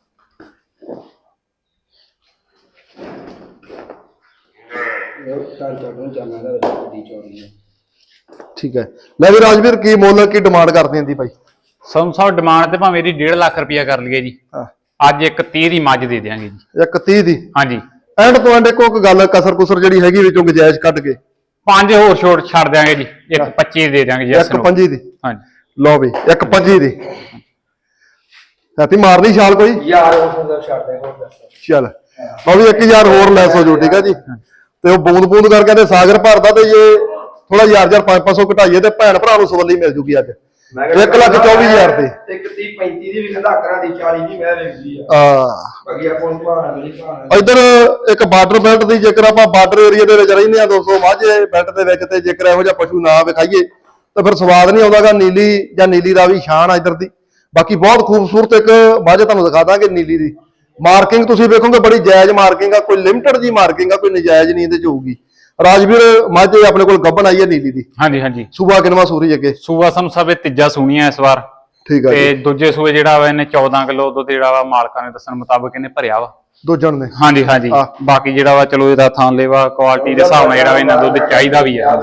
ਠੀਕ ਹੈ ਲੈ ਵੀ ਰਾਜਵੀਰ ਕੀ ਮੁੱਲ ਕੀ ਡਿਮਾਂਡ ਕਰਦੇ ਆਂ ਦੀ ਭਾਈ
ਸਾਨੂੰ ਸਾਹਿਬ ਡਿਮਾਂਡ ਤੇ ਭਾਵੇਂ ਇਹਦੀ 1.5 ਲੱਖ ਰੁਪਇਆ ਕਰ ਲਈਏ ਜੀ
ਹਾਂ
ਅੱਜ ਇੱਕ 30 ਦੀ ਮੱਝ ਦੇ ਦਿਆਂਗੇ ਜੀ
ਇੱਕ 30 ਦੀ
ਹਾਂਜੀ
ਐਂਡ ਤੋਂ ਐਂਡ ਕੋਈ ਗੱਲ ਕਸਰ ਕੁਸਰ ਜਿਹੜੀ ਹੈਗੀ ਵਿੱਚੋਂ ਗੁਜਾਇਸ਼ ਕੱਢ ਕੇ
5 ਹੋਰ ਛੋਟ ਛੱਡ ਦਿਆਂਗੇ ਜੀ ਇੱਕ 25 ਦੇ ਦਿਆਂਗੇ ਜੀ
ਇੱਕ 25 ਦੀ
ਹਾਂਜੀ
ਲਓ ਵੀ ਇੱਕ 25 ਦੀ ਸਾਥੀ ਮਾਰਨੀ ਛਾਲ ਕੋਈ
ਯਾਰ ਉਹ ਛੱਡ ਦੇ ਹੋਰ ਦੱਸ
ਚੱਲ ਉਹ ਵੀ 1000 ਹੋਰ ਲੈਸ ਹੋ ਜੂ ਠੀਕ ਆ ਜੀ ਤੇ ਉਹ ਬੂੰਦ ਕਰ ਕਹਿੰਦੇ ਸਾਗਰ ਭਰਦਾ ਤੇ ਜੇ ਥੋੜਾ 500 ਘਟਾਈਏ ਤੇ ਭੈਣ ਭਰਾ ਨੂੰ ਸਵੱਲੀ ਮਿਲ ਜੂਗੀ ਅੱਜ 1,24,000 ਤੇ
ਇੱਕ 30-35 ਦੀ ਵੀ ਕਹਿੰਦਾ ਕਰਾਂ ਦੀ 40 ਦੀ ਮੈਂ ਵੇਖਦੀ ਆ ਬਾਕੀ ਆਪਾਂ ਨੂੰ ਭਾਣਾ ਨਹੀਂ ਭਾਣਾ
ਇਧਰ ਇੱਕ ਬਾਰਡਰ ਬੈਲਟ ਦੀ ਜੇਕਰ ਆਪਾਂ ਬਾਰਡਰ ਏਰੀਆ ਦੇ ਵਿੱਚ ਰਹਿੰਦੇ ਆ 200 ਮਾਝੇ ਬੈਲਟ ਦੇ ਵਿੱਚ ਤੇ ਜੇਕਰ ਇਹੋ ਜਿਹਾ ਪਸ਼ੂ ਨਾ ਵਿਖਾਈਏ ਤਾਂ ਫਿਰ ਸਵਾਦ ਨਹੀਂ ਆਉਂਦਾਗਾ ਨੀਲੀ ਜਾਂ ਨੀਲੀ ਦਾ ਵੀ ਸ਼ਾਨ ਆ ਇਧਰ ਦੀ ਬਾਕੀ ਬਹੁਤ ਖੂਬਸੂਰਤ ਇੱਕ ਮੱਝ ਤੁਹਾਨੂੰ ਦਿਖਾ ਦਾਂਗੇ ਨੀਲੀ ਦੀ ਮਾਰਕਿੰਗ ਤੁਸੀਂ ਵੇਖੋਗੇ ਬੜੀ ਜਾਇਜ਼ ਮਾਰਕਿੰਗ ਆ ਕੋਈ ਲਿਮਟਿਡ ਜੀ ਮਾਰਕਿੰਗ ਆ ਕੋਈ ਨਜਾਇਜ਼ ਨਹੀਂ ਇਹਦੇ ਚ ਹੋਊਗੀ ਰਾਜਵੀਰ ਮੱਝ ਆਪਣੇ ਕੋਲ ਗੱਭਣ ਆਈ ਹੈ ਨੀਲੀ ਦੀ
ਹਾਂਜੀ ਹਾਂਜੀ
ਸੂਬਾ ਕਿਨਵਾ ਸੂਰੀ ਅੱਗੇ
ਸੂਆ ਸਾਨੂੰ ਸਭ ਇਹ ਤੀਜਾ ਸੂਣੀਆਂ ਇਸ ਵਾਰ
ਠੀਕ ਆ
ਤੇ ਦੂਜੇ ਸੂਏ ਜਿਹੜਾ ਵਾ ਇਹਨੇ 14 ਕਿਲੋ ਦੁੱਧ ਜਿਹੜਾ ਵਾ ਮਾਲਕਾਂ ਨੇ ਦੱਸਣ ਮੁਤਾਬਕ ਇਹਨੇ ਭਰਿਆ ਵਾ
ਦੋ ਜਣ ਨੇ
ਹਾਂਜੀ ਹਾਂਜੀ ਬਾਕੀ ਜਿਹੜਾ ਵਾ ਚਲੋ ਇਹਦਾ ਥਾਂ ਲੈਵਾ ਕੁਆਲਿਟੀ ਦੇ ਹਿਸਾਬ ਨਾਲ ਜਿਹੜਾ ਵਾ ਇਹਨਾਂ ਦੁੱਧ ਚਾਹੀਦਾ ਵੀ ਹੈ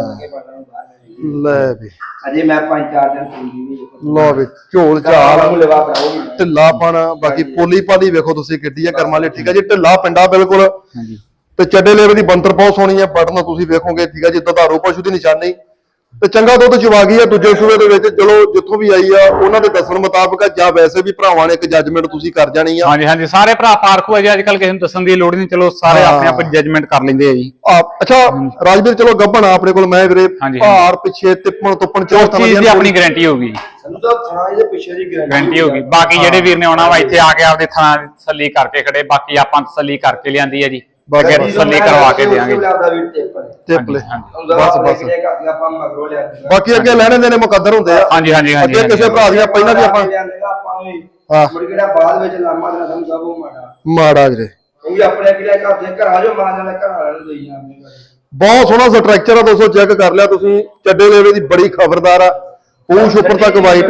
ਲੈ ਵੀ
ਅਜੇ ਮੈਂ 5-4 ਦਿਨ ਪੂਰੀ ਨਹੀਂ
ਲਓ ਵੀ ਝੋਲ ਝਾਲ
ਨੂੰ ਲਵਾ ਕਰਾਉਗੀ
ਢਿੱਲਾ ਪਣ ਬਾਕੀ ਪੋਲੀ ਪਾਲੀ ਵੇਖੋ ਤੁਸੀਂ ਕਿੱਡੀ ਆ ਕਰਮ ਵਾਲੀ ਠੀਕ ਆ ਜੀ ਢਿੱਲਾ ਪਿੰਡਾ ਬਿਲਕੁਲ
ਹਾਂਜੀ
ਤੇ ਚੱਡੇ ਲੇਵੇ ਦੀ ਬੰਤਰ ਬਹੁਤ ਸੋਹਣੀ ਆ ਬਟਨ ਤੁਸੀਂ ਵੇਖੋਗੇ ਠੀਕ ਆ ਜੀ ਦੁਧਾਰੂ ਪਸ਼ੂ ਦੀ ਨਿਸ਼ਾਨੀ ਤੇ ਚੰਗਾ ਦੁੱਧ ਚਵਾ ਗਈ ਆ ਦੂਜੇ ਸੂਏ ਦੇ ਵਿੱਚ ਚਲੋ ਜਿੱਥੋਂ ਵੀ ਆਈ ਆ ਉਹਨਾਂ ਦੇ ਦੱਸਣ ਮੁਤਾਬਕ ਜਾਂ ਵੈਸੇ ਵੀ ਭਰਾਵਾਂ ਨੇ ਇੱਕ ਜੱਜਮੈਂਟ ਤੁਸੀਂ ਕਰ ਜਾਣੀ ਆ
ਹਾਂਜੀ ਹਾਂਜੀ ਸਾਰੇ ਭਰਾ ਪਾਰਖੂ ਆ ਜੀ ਅੱਜ ਕੱਲ ਕਿਸੇ ਨੂੰ ਦੱਸਣ ਦੀ ਲੋੜ ਨਹੀਂ ਚਲੋ ਸਾਰੇ ਆਪਣੇ ਆਪ ਜੱਜਮੈਂਟ ਕਰ ਲੈਂਦੇ ਆ ਜੀ
ਅੱਛਾ ਰਾਜਵੀਰ ਚਲੋ ਗੱਭਣ ਆਪਣੇ ਕੋਲ ਮੈਂ ਵੀਰੇ ਭਾਰ ਪਿੱਛੇ ਤਿੱਪਣ ਤੁੱਪਣ
ਉਸ ਚੀਜ਼ ਦੀ ਆਪਣੀ ਗਾਰੰਟੀ ਹੋਊਗੀ
ਸਾਨੂੰ ਤਾਂ ਥਾਂ ਇਹਦੇ ਪਿੱਛੇ ਦੀ
ਗਾਰੰਟੀ ਹੋਊਗੀ ਬਾਕੀ ਜਿਹੜੇ ਵੀਰ ਨੇ ਆਉਣਾ ਵਾ ਇੱਥੇ ਆ ਕੇ ਆਪਦੇ ਥਾਂ ਤਸੱਲੀ ਕਰਕੇ ਖੜੇ ਬਾਕੀ ਆਪਾਂ ਤਸੱਲੀ ਕਰਕੇ ਲਿਆਂਦੀ ਆ ਜੀ ਬਾਕੀ ਤਸੱਲੀ ਕਰਵਾ ਕੇ ਦੇਵਾਂਗੇ
ਟਿੱਪਲੇ
ਬਸ ਆਪਾਂ ਮਗਰੋਂ ਲਿਆ
ਬਾਕੀ ਅੱਗੇ ਲੈਣੇ ਦੇਣੇ ਮੁਕੱਦਰ ਹੁੰਦੇ ਆ
ਹਾਂਜੀ ਹਾਂਜੀ ਹਾਂਜੀ
ਅੱਗੇ ਕਿਸੇ ਭਰਾ ਦੀਆਂ ਪਹਿਲਾਂ ਵੀ ਆਪਾਂ
ਮੁੜ ਕੇ ਬਾਅਦ ਵਿੱਚ ਲਾਮਾ ਦੇਣਾ ਸਾਨੂੰ ਸਭ ਉਹ
ਮਾੜਾ ਵੀਰੇ
ਕਿਉਂਕਿ ਆਪਣੇ ਕਿਹੜੇ ਘਰ ਦੇ ਘਰਾਂ ਜੋ ਮਾਂ ਨਾਲ ਘਰ ਵਾਲੇ ਨੂੰ ਦੇਈ ਜਾਂਦੇ
ਬਹੁਤ ਸੋਹਣਾ ਸਟਰਕਚਰ ਆ ਦੋਸਤੋ ਚੈੱਕ ਕਰ ਲਿਆ ਤੁਸੀਂ ਚੱਡੇ ਲੇਵੇ ਦੀ ਬੜੀ ਖਬਰਦਾਰ ਆ ਪੂਛ ਉੱਪਰ ਤੱਕ ਵਾਈਟ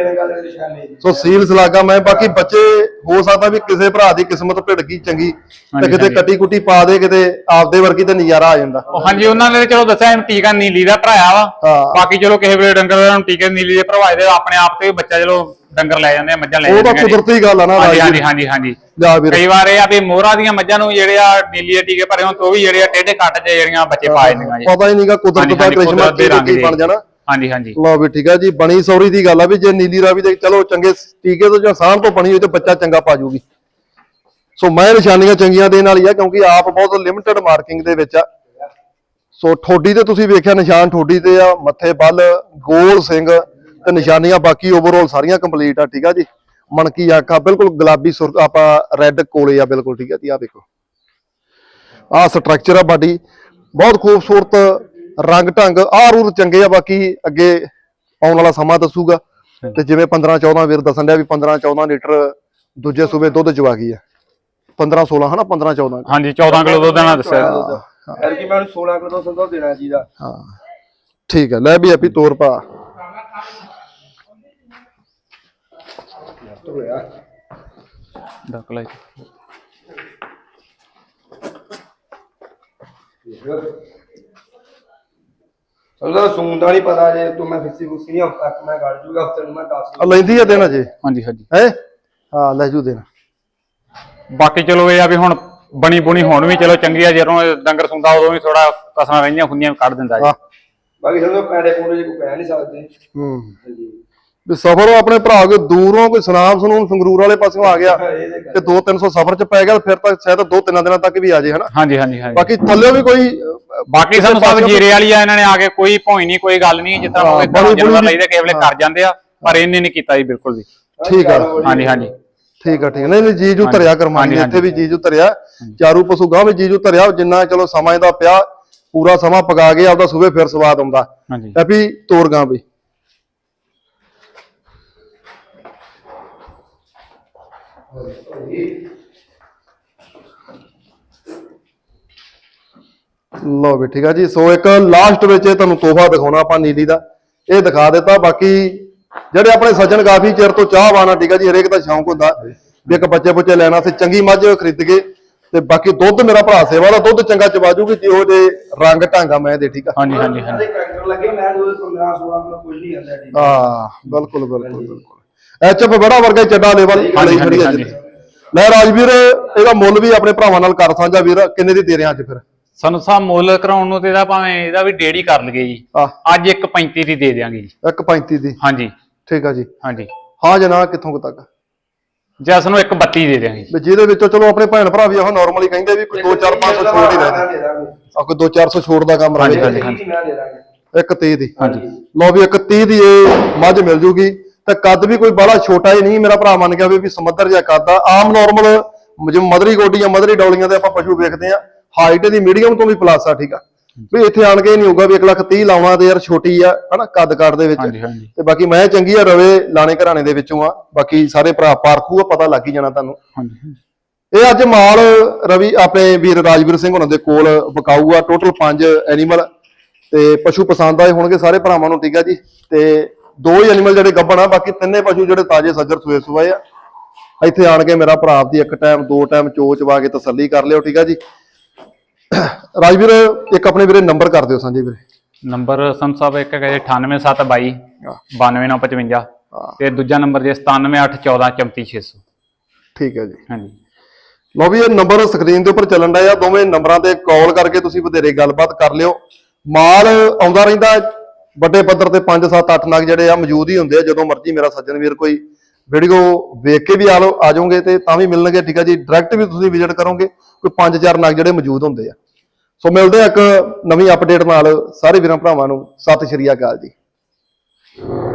ਸੋ ਸੀਲ ਸਲਾਗਾ ਮੈਂ ਬਾਕੀ ਬੱਚੇ ਹੋ ਸਕਦਾ ਵੀ ਕਿਸੇ ਭਰਾ ਦੀ ਕਿਸਮਤ ਭਿੜ ਗਈ ਚੰਗੀ ਤੇ ਕਿਤੇ ਕੱਟੀ ਕੁੱਟੀ ਪਾ ਦੇ ਕਿਤੇ ਆਪਦੇ ਵਰਗੀ ਤੇ ਨਜ਼ਾਰਾ ਆ ਜਾਂਦਾ
ਹਾਂਜੀ ਉਹਨਾਂ ਨੇ ਚਲੋ ਦੱਸਿਆ ਇਹਨੂੰ ਟੀਕਾ ਨੀਲੀ ਦਾ ਭਰਾਇਆ ਵਾ ਬਾਕੀ ਚਲੋ ਕਿਸੇ ਵੇਲੇ ਡੰਗਰ ਨੂੰ ਟੀਕੇ ਨੀਲੀ ਦੇ ਭਰਵਾਏ ਦੇ ਆਪਣੇ ਆਪ ਤੇ ਬੱਚਾ ਚਲੋ ਡੰਗਰ ਲੈ ਜਾਂਦੇ ਆ ਮੱਝਾਂ ਲੈ ਜਾਂਦੇ
ਉਹ ਤਾਂ ਕੁਦਰਤੀ ਗੱਲ ਆ ਨਾ
ਹਾਂਜੀ ਹਾਂਜੀ ਹਾਂਜੀ ਹਾਂਜੀ ਕਈ ਵਾਰ ਇਹ ਆ ਵੀ ਮੋਹਰਾ ਦੀਆਂ ਮੱਝਾਂ ਨੂੰ ਜਿਹੜੇ ਆ ਨੀਲੀ ਦੇ ਟੀਕੇ ਭਰੇ ਹੋਣ ਤੇ ਉਹ ਵੀ ਜਿਹੜੇ ਆ ਟੇਢੇ ਕੱਟ ਚ ਜਿਹੜੀਆਂ ਬੱਚੇ ਪਾ ਜਾਂਦੀਆਂ ਜੀ
ਪਤਾ ਹੀ ਨਹੀਂਗਾ ਕੁਦਰਤ ਦਾ ਕ੍ਰਿਸ਼ਮਾ ਕੀ ਬਣ ਜਾਣਾ
ਹਾਂਜੀ ਹਾਂਜੀ
ਲਓ ਵੀ ਠੀਕ ਹੈ ਜੀ ਬਣੀ ਸੌਰੀ ਦੀ ਗੱਲ ਆ ਵੀ ਜੇ ਨੀਲੀ ਰਾਵੀ ਦੇ ਚਲੋ ਚੰਗੇ ਟੀਕੇ ਤੋਂ ਜਾਂ ਸਾਂਭ ਤੋਂ ਬਣੀ ਹੋਈ ਤੇ ਬੱਚਾ ਚੰਗਾ ਪਾ ਜੂਗੀ ਸੋ ਮੈਂ ਨਿਸ਼ਾਨੀਆਂ ਚੰਗੀਆਂ ਦੇਣ ਵਾਲੀ ਆ ਕਿਉਂਕਿ ਆਪ ਬਹੁਤ ਲਿਮਟਿਡ ਮਾਰਕਿੰਗ ਦੇ ਵਿੱਚ ਆ ਸੋ ਠੋਡੀ ਤੇ ਤੁਸੀਂ ਵੇਖਿਆ ਨਿਸ਼ਾਨ ਠੋਡੀ ਤੇ ਆ ਮੱਥੇ ਬੱਲ ਗੋਲ ਸਿੰਘ ਤੇ ਨਿਸ਼ਾਨੀਆਂ ਬਾਕੀ ਓਵਰਆਲ ਸਾਰੀਆਂ ਕੰਪਲੀਟ ਆ ਠੀਕ ਆ ਜੀ ਮਣਕੀ ਆਖਾ ਬਿਲਕੁਲ ਗੁਲਾਬੀ ਸੁਰ ਆਪਾਂ ਰੈੱਡ ਕੋਲੇ ਆ ਬਿਲਕੁਲ ਠੀਕ ਆ ਜੀ ਆ ਦੇਖੋ ਆ ਸਟਰਕਚਰ ਆ ਬਾਡੀ ਬਹੁਤ ਖੂਬਸੂਰਤ ਰੰਗ ਢੰਗ ਆਰੂਰ ਚੰਗੇ ਆ ਬਾਕੀ ਅੱਗੇ ਆਉਣ ਵਾਲਾ ਸਮਾਂ ਦੱਸੂਗਾ ਤੇ ਜਿਵੇਂ 15-14 ਵੀਰ ਦੱਸਣ ਡਿਆ ਵੀ 15-14 ਲੀਟਰ ਦੂਜੇ ਸੂਬੇ ਦੁੱਧ ਚਵਾ ਗਈ ਆ 15-16 ਹਨਾ 15-14
ਹਾਂਜੀ 14 ਕਿਲੋ ਦੁੱਧ ਨਾਲ ਦੱਸਿਆ
ਐਰ ਕੀ ਮੈਂ 16 ਕਿਲੋ ਦੁੱਧ ਦੇਣਾ ਚਾਹੀਦਾ
ਹਾਂ ਠੀਕ ਹੈ ਲੈ ਵੀ ਆਪੀ ਤੋਰ ਪਾ
ਡੱਕ ਲਾਈ
ਉਹਦਾ ਸੂਣ ਦਾ ਨਹੀਂ ਪਤਾ ਜੇ ਤੂੰ ਮੈਂ ਫਿਕਸੀ ਫੁਕਸੀ ਨਹੀਂ ਹਫਤਾ ਤੱਕ ਮੈਂ ਗੜ ਜੂਗਾ ਹਫਤੇ ਨੂੰ ਮੈਂ 10
ਲੈਂਦੀ ਆ ਦੇਣਾ ਜੇ
ਹਾਂਜੀ ਹਾਂਜੀ
ਹੈ ਹਾਂ ਲੈ ਜੂ ਦੇਣਾ
ਬਾਕੀ ਚਲੋ ਇਹ ਆ ਵੀ ਹੁਣ ਬਣੀ ਬੁਣੀ ਹੁਣ ਵੀ ਚਲੋ ਚੰਗੀ ਆ ਜਦੋਂ ਡੰਗਰ ਸੁੰਦਾ ਉਦੋਂ ਵੀ ਥੋੜਾ ਕਸਣਾ ਰਹਿੰਦੀਆਂ ਹੁੰਦੀਆਂ ਕੱਢ ਦਿੰਦਾ ਜੀ
ਬਾਕੀ ਸਮਝੋ ਪੈੜੇ ਪੂੜੇ ਜੇ ਕੋਈ ਕਹਿ ਨਹੀਂ ਸਕਦੇ
ਵੀ ਸਫ਼ਰ ਆਪਣੇ ਭਰਾ ਕੋਈ ਦੂਰੋਂ ਕੋਈ ਸੁਨਾਮ ਸਨੂਨ ਸੰਗਰੂਰ ਵਾਲੇ ਪਾਸਿਓਂ ਆ ਗਿਆ ਤੇ 200-300 ਸਫ਼ਰ ਚ ਪੈ ਗਿਆ ਫਿਰ ਤਾਂ ਸ਼ਾਇਦ 2-3 ਦਿਨਾਂ ਤੱਕ ਵੀ ਆ ਜੇ ਹਨਾ
ਹਾਂਜੀ ਹਾਂਜੀ ਹਾਂਜੀ
ਬਾਕੀ ਥੱਲੇ ਵੀ ਕੋਈ
ਬਾਕੀ ਸਾਨੂੰ ਸਭ ਜੀਰੇ ਵਾਲੀ ਆ ਇਹਨਾਂ ਨੇ ਆ ਕੇ ਕੋਈ ਭੌਈ ਨਹੀਂ ਕੋਈ ਗੱਲ ਨਹੀਂ ਜਿੱਦਾਂ ਜਾਨਵਰ ਲਈਦੇ ਕਿਸੇ ਵੇਲੇ ਕਰ ਜਾਂਦੇ ਆ ਪਰ ਇਹਨੇ ਨਹੀਂ ਕੀਤਾ ਜੀ ਬਿਲਕੁਲ ਵੀ
ਠੀਕ ਆ
ਹਾਂਜੀ ਹਾਂਜੀ
ਠੀਕ ਆ ਨਹੀਂ ਨਹੀਂ ਜੀਜੂ ਧਰਿਆ ਕਰਮਾਨੀ ਇੱਥੇ ਵੀ ਜੀਜੂ ਧਰਿਆ ਚਾਰੂ ਪਸ਼ੂ ਗਾਂ ਵੀ ਜੀਜੂ ਧਰਿਆ ਜਿੰਨਾ ਚਲੋ ਸਮਾਂ ਇਹਦਾ ਪਿਆ ਪੂਰਾ ਸਮਾਂ ਪਕਾ ਕੇ ਆਪਦਾ ਸੂਬੇ ਫਿਰ ਸਵਾਦ ਆਉਂਦਾ
ਹਾਂਜੀ
ਐਪੀ ਤੋਰ ਗਾਂ ਵੀ ਲਓ ਵੀ ਠੀਕ ਆ ਜੀ ਸੋ ਇੱਕ ਲਾਸਟ ਵਿੱਚ ਤੁਹਾਨੂੰ ਤੋਹਫਾ ਦਿਖਾਉਣਾ ਆਪਾਂ ਨੀਲੀ ਦਾ ਇਹ ਦਿਖਾ ਦਿੱਤਾ ਬਾਕੀ ਜਿਹੜੇ ਆਪਣੇ ਸੱਜਣ ਕਾਫੀ ਚਿਰ ਤੋਂ ਚਾਹਵਾਨ ਆ ਠੀਕ ਆ ਜੀ ਹਰੇਕ ਦਾ ਸ਼ੌਂਕ ਹੁੰਦਾ ਵੀ ਇੱਕ ਬੱਚੇ ਲੈਣਾ ਤੇ ਚੰਗੀ ਮੱਝ ਖਰੀਦ ਕੇ ਤੇ ਬਾਕੀ ਦੁੱਧ ਮੇਰਾ ਭਰਾ ਸੇਵਾ ਦਾ ਦੁੱਧ ਚੰਗਾ ਚਵਾ ਜੂਗੀ ਜਿਹੋ ਜੇ ਰੰਗ ਢਾਂਗਾ ਮੈਂ ਦੇ ਠੀਕ ਆ
ਹਾਂਜੀ ਹਾਂਜੀ ਹਾਂਜੀ
ਕਰੈਕਟਰ ਲੱਗੇ ਮੈਂ 15 16 ਕਿਲੋ ਕੁਝ ਨਹੀਂ ਆਂਦਾ ਠੀਕ
ਹਾਂ ਬਿਲਕੁਲ ਐਚਐਫ ਬੜਾ ਵਰਗਾ ਹੀ ਚੱਡਾ ਲੈਵਲ
ਹਾਂਜੀ,
ਖੜੀ ਹੈ
ਹਾਂਜੀ।
ਲੈ ਰਾਜਵੀਰ ਇਹਦਾ ਮੁੱਲ ਵੀ ਆਪਣੇ ਭਰਾਵਾਂ ਨਾਲ ਕਰ ਸਾਂਝਾ ਵੀਰ ਕਿੰਨੇ ਦੀ ਦੇ ਰਿਆਂ ਅੱਜ ਫਿਰ
ਸਾਨੂੰ ਸਾਹਿਬ ਮੁੱਲ ਕਰਾਉਣ ਨੂੰ ਤੇ ਇਹਦਾ ਭਾਵੇਂ ਇਹਦਾ ਵੀ ਡੇਢ ਹੀ ਕਰ ਲਈਏ ਜੀ
ਆਹ
ਅੱਜ 1.35 ਦੀ ਦੇ ਦਿਆਂਗੇ ਜੀ
1.35 ਦੀ
ਹਾਂਜੀ
ਠੀਕ ਆ ਜੀ
ਹਾਂਜੀ
ਹਾਂ ਜਨਾਬ ਕਿੱਥੋਂ ਕੁ ਤੱਕ
ਜੈਸ ਨੂੰ 1.32 ਦੇ ਦਿਆਂਗੇ
ਵੀ ਜਿਹਦੇ ਵਿੱਚੋਂ ਚਲੋ ਆਪਣੇ ਭੈਣ ਭਰਾ ਵੀ ਉਹ ਨਾਰਮਲੀ ਕਹਿੰਦੇ ਵੀ ਕੋਈ 2-4-500 ਛੋੜ ਹੀ ਰਹਿ
ਦੇ ਦਾਂਗੇ
ਆ ਕੋਈ 2-400 ਛੋੜ ਦਾ ਕੰਮ ਰਹੇ
ਹਾਂਜੀ,
ਮੈਂ ਦੇ ਦਾਂਗੇ
1.30 ਦੀ
ਹਾਂਜੀ
ਲਓ ਵੀ 1.30 ਦੀ ਇਹ ਮੱਝ ਮਿਲ ਜੂਗੀ ਤੇ ਕੱਦ ਵੀ ਕੋਈ ਬਾਹਲਾ ਛੋਟਾ ਹੀ ਨਹੀਂ ਮੇਰਾ ਭਰਾ ਮੰਨ ਗਿਆ ਵੀ ਸਮੁੰਦਰ ਜਿਹਾ ਕੱਦ ਆ ਆਮ ਨਾਰਮਲ ਜਿਵੇਂ ਮਦਰੀ ਗੋਡੀਆਂ ਮਦਰੀ ਡੌਲੀਆਂ ਤੇ ਆਪਾਂ ਪਸ਼ੂ ਵੇਖਦੇ ਆ ਹਾਈਟ ਦੀ ਮੀਡੀਅਮ ਤੋਂ ਵੀ ਪਲੱਸ ਆ ਠੀਕ ਆ ਵੀ ਇੱਥੇ ਆਣ ਕੇ ਨਹੀਂ ਹੋਊਗਾ ਵੀ 1,30,000 ਲਾਉਣਾ ਤੇ ਯਾਰ ਛੋਟੀ ਆ ਹਨਾ ਕੱਦ ਕਾਠ ਦੇ ਵਿੱਚ
ਹਾਂਜੀ ਹਾਂਜੀ
ਤੇ ਬਾਕੀ ਮੈਂ ਚੰਗੀ ਆ ਰਵੇ ਲਾਣੇ ਘਰਾਣੇ ਦੇ ਵਿੱਚੋਂ ਆ ਬਾਕੀ ਸਾਰੇ ਭਰਾ ਪਾਰਖੂ ਆ ਪਤਾ ਲੱਗ ਹੀ ਜਾਣਾ ਤੁਹਾਨੂੰ
ਹਾਂਜੀ
ਇਹ ਅੱਜ ਮਾਲ ਰਵੀ ਆਪਣੇ ਵੀਰ ਰਾਜਵੀਰ ਸਿੰਘ ਉਹਨਾਂ ਦੇ ਕੋਲ ਵਿਕਾਊ ਆ ਟੋਟਲ 5 ਐਨੀਮਲ ਤੇ ਪਸ਼ੂ ਪਸੰਦ ਆਏ ਹੋਣਗੇ ਸਾਰੇ ਭਰਾਵਾਂ ਨੂੰ ਠੀਕ ਆ ਜੀ ਤੇ 2 ਹੀ ਐਨੀਮਲ ਜਿਹੜੇ ਗੱਭਣ ਆ ਬਾਕੀ ਤਿੰਨੇ ਪਸ਼ੂ ਜਿਹੜੇ ਤਾਜ਼ੇ ਸੱਜਰ ਸੂਏ ਸੂਏ ਆ ਇੱਥੇ ਆਣ ਕੇ ਮੇਰਾ ਭਰਾ ਦੀ ਇੱਕ ਟਾਈਮ 2 ਟਾਈਮ ਚੋਚ ਵਾ ਕੇ ਤਸੱਲੀ ਕਰ ਲਿਓ ਠੀਕ ਆ ਜੀ ਰਾਜਵੀਰ ਇੱਕ ਆਪਣੇ ਵੀਰੇ ਨੰਬਰ ਕਰ ਦਿਓ ਸਾਂਝੇ ਵੀਰੇ
ਨੰਬਰ ਸੰਤ ਸਾਹਿਬ ਇੱਕ ਹੈ 98722 92955 ਤੇ ਦੂਜਾ ਨੰਬਰ ਜੇ 9781144600
ਠੀਕ ਹੈ ਜੀ
ਹਾਂਜੀ
ਲਓ ਵੀ ਇਹ ਨੰਬਰ ਸਕਰੀਨ ਦੇ ਉੱਪਰ ਚੱਲਣ ਡਿਆ ਦੋਵੇਂ ਨੰਬਰਾਂ ਤੇ ਕਾਲ ਕਰਕੇ ਤੁਸੀਂ ਵਧੇਰੇ ਗੱਲਬਾਤ ਕਰ ਲਿਓ ਮਾਲ ਆਉਂਦਾ ਰਹਿੰਦਾ ਵੱਡੇ ਪੱਧਰ ਤੇ 5 7 8 ਨਗ ਜਿਹੜੇ ਆ ਮੌਜੂਦ ਹੀ ਹੁੰਦੇ ਆ ਜਦੋਂ ਮਰਜ਼ੀ ਮੇਰਾ ਸੱਜਣ ਵੀਰ ਕੋਈ ਵੀਡੀਓ ਵੇਖ ਕੇ ਵੀ ਆ ਜਾਓਗੇ ਤੇ ਤਾਂ ਵੀ ਮਿਲਣਗੇ ਠੀਕ ਆ ਜੀ ਡਾਇਰੈਕਟ ਵੀ ਤੁਸੀਂ ਵਿਜ਼ਿਟ ਕਰੋਗੇ ਕੋਈ 5-4 ਨਗ ਜਿਹੜੇ ਮੌਜੂਦ ਹੁੰਦੇ ਆ ਸੋ ਮਿਲਦੇ ਆ ਇੱਕ ਨਵੀਂ ਅਪਡੇਟ ਨਾਲ ਸਾਰੇ ਵੀਰਾਂ ਭਰਾਵਾਂ ਨੂੰ ਸਤਿ ਸ਼੍ਰੀ ਅਕਾਲ ਜੀ